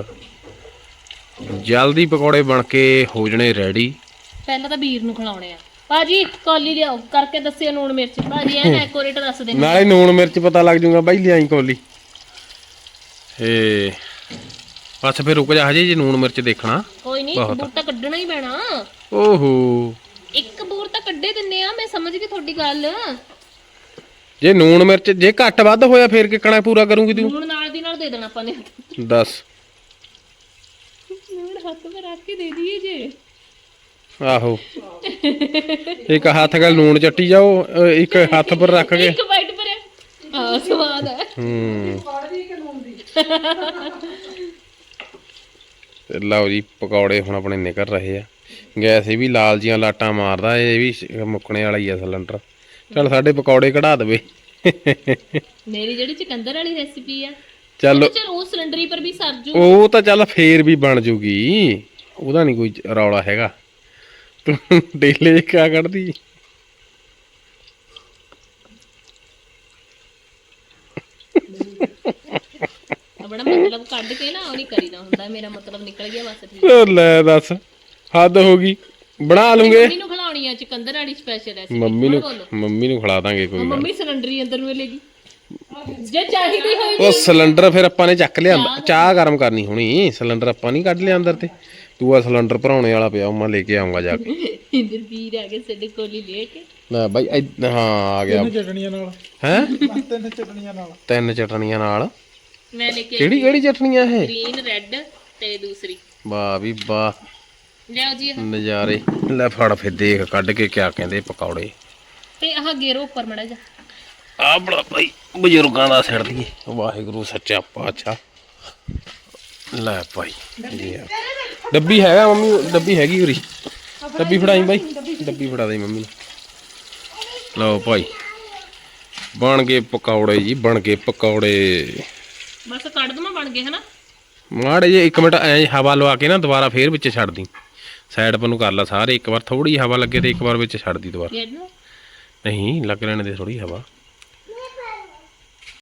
A: ਜਲਦੀ ਪਕੌੜੇ ਬਣ ਕੇ ਹੋ ਜਣੇ ਰੈਡੀ।
B: ਪਹਿਲਾਂ ਤਾਂ ਵੀਰ ਨੂੰ ਖਿਲਾਉਣੇ ਆ। ਭਾਜੀ ਕੌਲੀ ਲਿਆਓ, ਕਰਕੇ ਦੱਸਿਓ ਨੂਣ ਮਿਰਚ। ਭਾਜੀ ਐ ਨਾ ਇੱਕ ਦੱਸ ਦੇ,
A: ਨਾਲੇ ਨੂਣ ਮਿਰਚ ਪਤਾ ਲੱਗ ਜੂਗਾ ਬਾਈ, ਲਿਆਈ ਕੌਲੀ। ਏ ਬਸ ਫਿਰ ਰੁਕ ਜਾ, ਹਜੇ ਜੇ ਨੂਣ ਮਿਰਚ ਦੇਖਣਾ।
B: ਕੋਈ ਨਹੀਂ, ਬੂਰ ਤਾਂ ਕੱਢਣਾ ਹੀ ਪੈਣਾ।
A: ਓਹੋ,
B: ਇੱਕ ਬੂਰ ਤਾਂ ਕੱਢੇ ਦਿੰਨੇ ਆ, ਮੈਂ ਸਮਝ ਗਈ ਤੁਹਾਡੀ ਗੱਲ।
A: ਜੇ ਨੂਣ ਮਿਰਚ ਜੇ ਘੱਟ ਵੱਧ ਹੋਇਆ ਫੇਰ ਕਿੱਕਣਾ ਪੂਰਾ ਕਰੂੰਗੀ ਤੂੰ?
B: ਨੂਣ ਨਾਲ ਦੀ ਨਾਲ ਦੇ ਦੇਣਾ ਆਪਾਂ ਨੇ।
A: ਦੱਸ।
B: ਨੂਣ ਹੱਥ 'ਤੇ ਰੱਖ ਕੇ ਦੇ ਦਈਏ ਜੇ।
A: ਆਹੋ, ਇੱਕ ਹੱਥ ਨਾਲ ਲੂਣ ਚੱਟੀ ਜਾਓ, ਅ, ਇੱਕ ਹੱਥ ਪਰ ਰੱਖ ਕੇ।
B: ਇੱਕ ਬਾਈਟ ਪਰ ਆ ਸਵਾਦ ਹੈ।
A: ਹੂੰ ਤੇ ਲਓ ਜੀ ਪਕੌੜੇ ਹੁਣ ਆਪਣੇ ਨਿਕਲ ਰਹੇ ਆ। ਗੈਸ ਇਹ ਵੀ ਲਾਲ ਜੀਆਂ ਲਾਟਾਂ ਮਾਰਦਾ, ਇਹ ਵੀ ਮੁੱਕਣੇ ਵਾਲਾ ਹੀ ਆ ਸਿਲੰਡਰ। ਚੱਲ ਸਾਡੇ ਪਕੌੜੇ ਕਢਾ ਦੇਵੇ।
B: ਮੇਰੀ ਜਿਹੜੀ ਚਿਕੰਦਰ ਵਾਲੀ ਰੈਸਿਪੀ ਆ,
A: ਚੱਲ
B: ਚਲ ਉਹ ਸਿਲੰਡਰੀ ਪਰ ਵੀ ਸਰ ਜੂ।
A: ਉਹ ਤਾਂ ਚੱਲ ਫੇਰ ਵੀ ਬਣ ਜੂਗੀ, ਉਹਦਾ ਨਹੀਂ ਕੋਈ ਰੌਲਾ ਹੈਗਾ। ਤੂੰ ਡੇਲੇ ਕਿਆ ਕੱਢਦੀ?
B: ਬੜਾ ਮਤਲਬ ਕੱਢ ਕੇ ਨਾ ਉਹ ਨਹੀਂ ਕਰੀਦਾ ਹੁੰਦਾ। ਮੇਰਾ ਮਤਲਬ ਨਿਕਲ ਗਿਆ ਬਸ। ਠੀਕ
A: ਉਹ ਲੈ ਦੱਸ, ਹੱਦ ਹੋ ਗਈ। ਬਣਾ ਲੂੰਗੇ।
B: ਮੰਮੀ ਨੂੰ ਖਿਲਾਉਣੀ ਆ ਚਿਕੰਦਰ ਵਾਲੀ ਸਪੈਸ਼ਲ ਰੈਸਿਪੀ।
A: ਮੰਮੀ ਨੂੰ ਮੰਮੀ ਨੂੰ ਖਿਲਾ ਦਾਂਗੇ ਕੋਈ ਗੱਲ।
B: ਮੰਮੀ ਸਿਲੰਡਰੀ ਅੰਦਰ ਨੂੰ ਲੇਗੀ ਜੇ ਚਾਹੀਦੀ ਹੋਈ।
A: ਉਹ ਸਿਲੰਡਰ ਫਿਰ ਆਪਾਂ ਨੇ ਚੱਕ ਲਿਆ, ਚਾਹ ਗਰਮ ਕਰਨੀ ਹੋਣੀ। ਸਿਲੰਡਰ ਆਪਾਂ ਨਹੀਂ ਕੱਢ ਲਿਆ ਅੰਦਰ ਤੇ। ਤੂੰ ਆ ਸਿਲੰਡਰ ਭਰਾਉਣੇ ਵਾਲਾ ਪਿਆ, ਮੈਂ ਲੈ ਕੇ ਆਉਂਗਾ ਜਾ ਕੇ।
B: ਇੰਦਰ ਵੀਰ ਆ ਕੇ ਸਾਡੇ ਕੋਲੀ ਲੈ ਕੇ।
A: ਨਾ ਬਾਈ ਇਦ- ਹਾਂ ਆ ਗਿਆ।
E: ਚਟਣੀਆਂ ਨਾਲ
A: ਹੈ
E: ਤਿੰਨ ਚਟਣੀਆਂ ਨਾਲ
A: ਤਿੰਨ ਚਟਣੀਆਂ ਨਾਲ।
B: ਮੈਂ ਲੈ ਕੇ
A: ਕਿਹੜੀ ਕਿਹੜੀ ਚਟਣੀਆਂ ਇਹ?
B: ਗ੍ਰੀਨ ਰੈੱਡ ਤੇ ਦੂਸਰੀ।
A: ਵਾਹ ਵੀ ਵਾਹ,
B: ਲਿਆਓ ਜੀ।
A: ਨਜ਼ਾਰੇ। ਲੈ ਫੜ ਫਿਰ ਦੇਖ ਕੱਢ ਕੇ ਕਿਆ ਕਹਿੰਦੇ ਪਕੌੜੇ।
B: ਤੇ ਆਹ ਗੇਰੋ ਉੱਪਰ ਮੜਾ ਜਾ।
A: ਆ ਬੜਾ ਭਾਈ ਬਜ਼ੁਰਗਾਂ ਦਾ ਸਿਰ ਦੀਏ। ਵਾਹਿਗੁਰੂ ਸੱਚਾ ਪਾਤਸ਼ਾਹ। ਲੈ ਭਾਈ ਜੀ ਆ ਡੱਬੀ ਹੈਗਾ ਮੰਮੀ, ਡੱਬੀ ਹੈਗੀ ਉਰੀ। ਡੱਬੀ ਫੜਾਈ ਬਾਈ, ਡੱਬੀ ਫੜਾ ਦੇ ਮੰਮੀ ਨੂੰ। ਲਓ ਭਾਈ ਬਣ ਗਏ ਪਕੌੜੇ ਜੀ, ਬਣ ਗਏ ਪਕੌੜੇ।
B: ਬਸ ਕੱਢ ਦਵਾਂ, ਬਣ ਗਏ ਹਨਾ।
A: ਮਾੜੇ ਜੇ ਇੱਕ ਮਿੰਟ ਐ ਹਵਾ ਲਵਾ ਕੇ ਨਾ ਦੁਬਾਰਾ ਫੇਰ ਵਿੱਚ ਛੱਡ ਦੀ। ਸਾਈਡ ਪਰ ਨੂੰ ਕਰ ਲਾ ਸਾਰੇ ਇੱਕ ਵਾਰ ਥੋੜੀ ਹਵਾ ਲੱਗੇ ਤੇ ਇੱਕ ਵਾਰ ਵਿੱਚ ਛੱਡ ਦੀ ਦੁਬਾਰਾ
B: ਖੇਡ ਨੂੰ
A: ਨਹੀਂ ਲੱਗ ਲੈਣ ਦੇ ਥੋੜੀ ਹਵਾ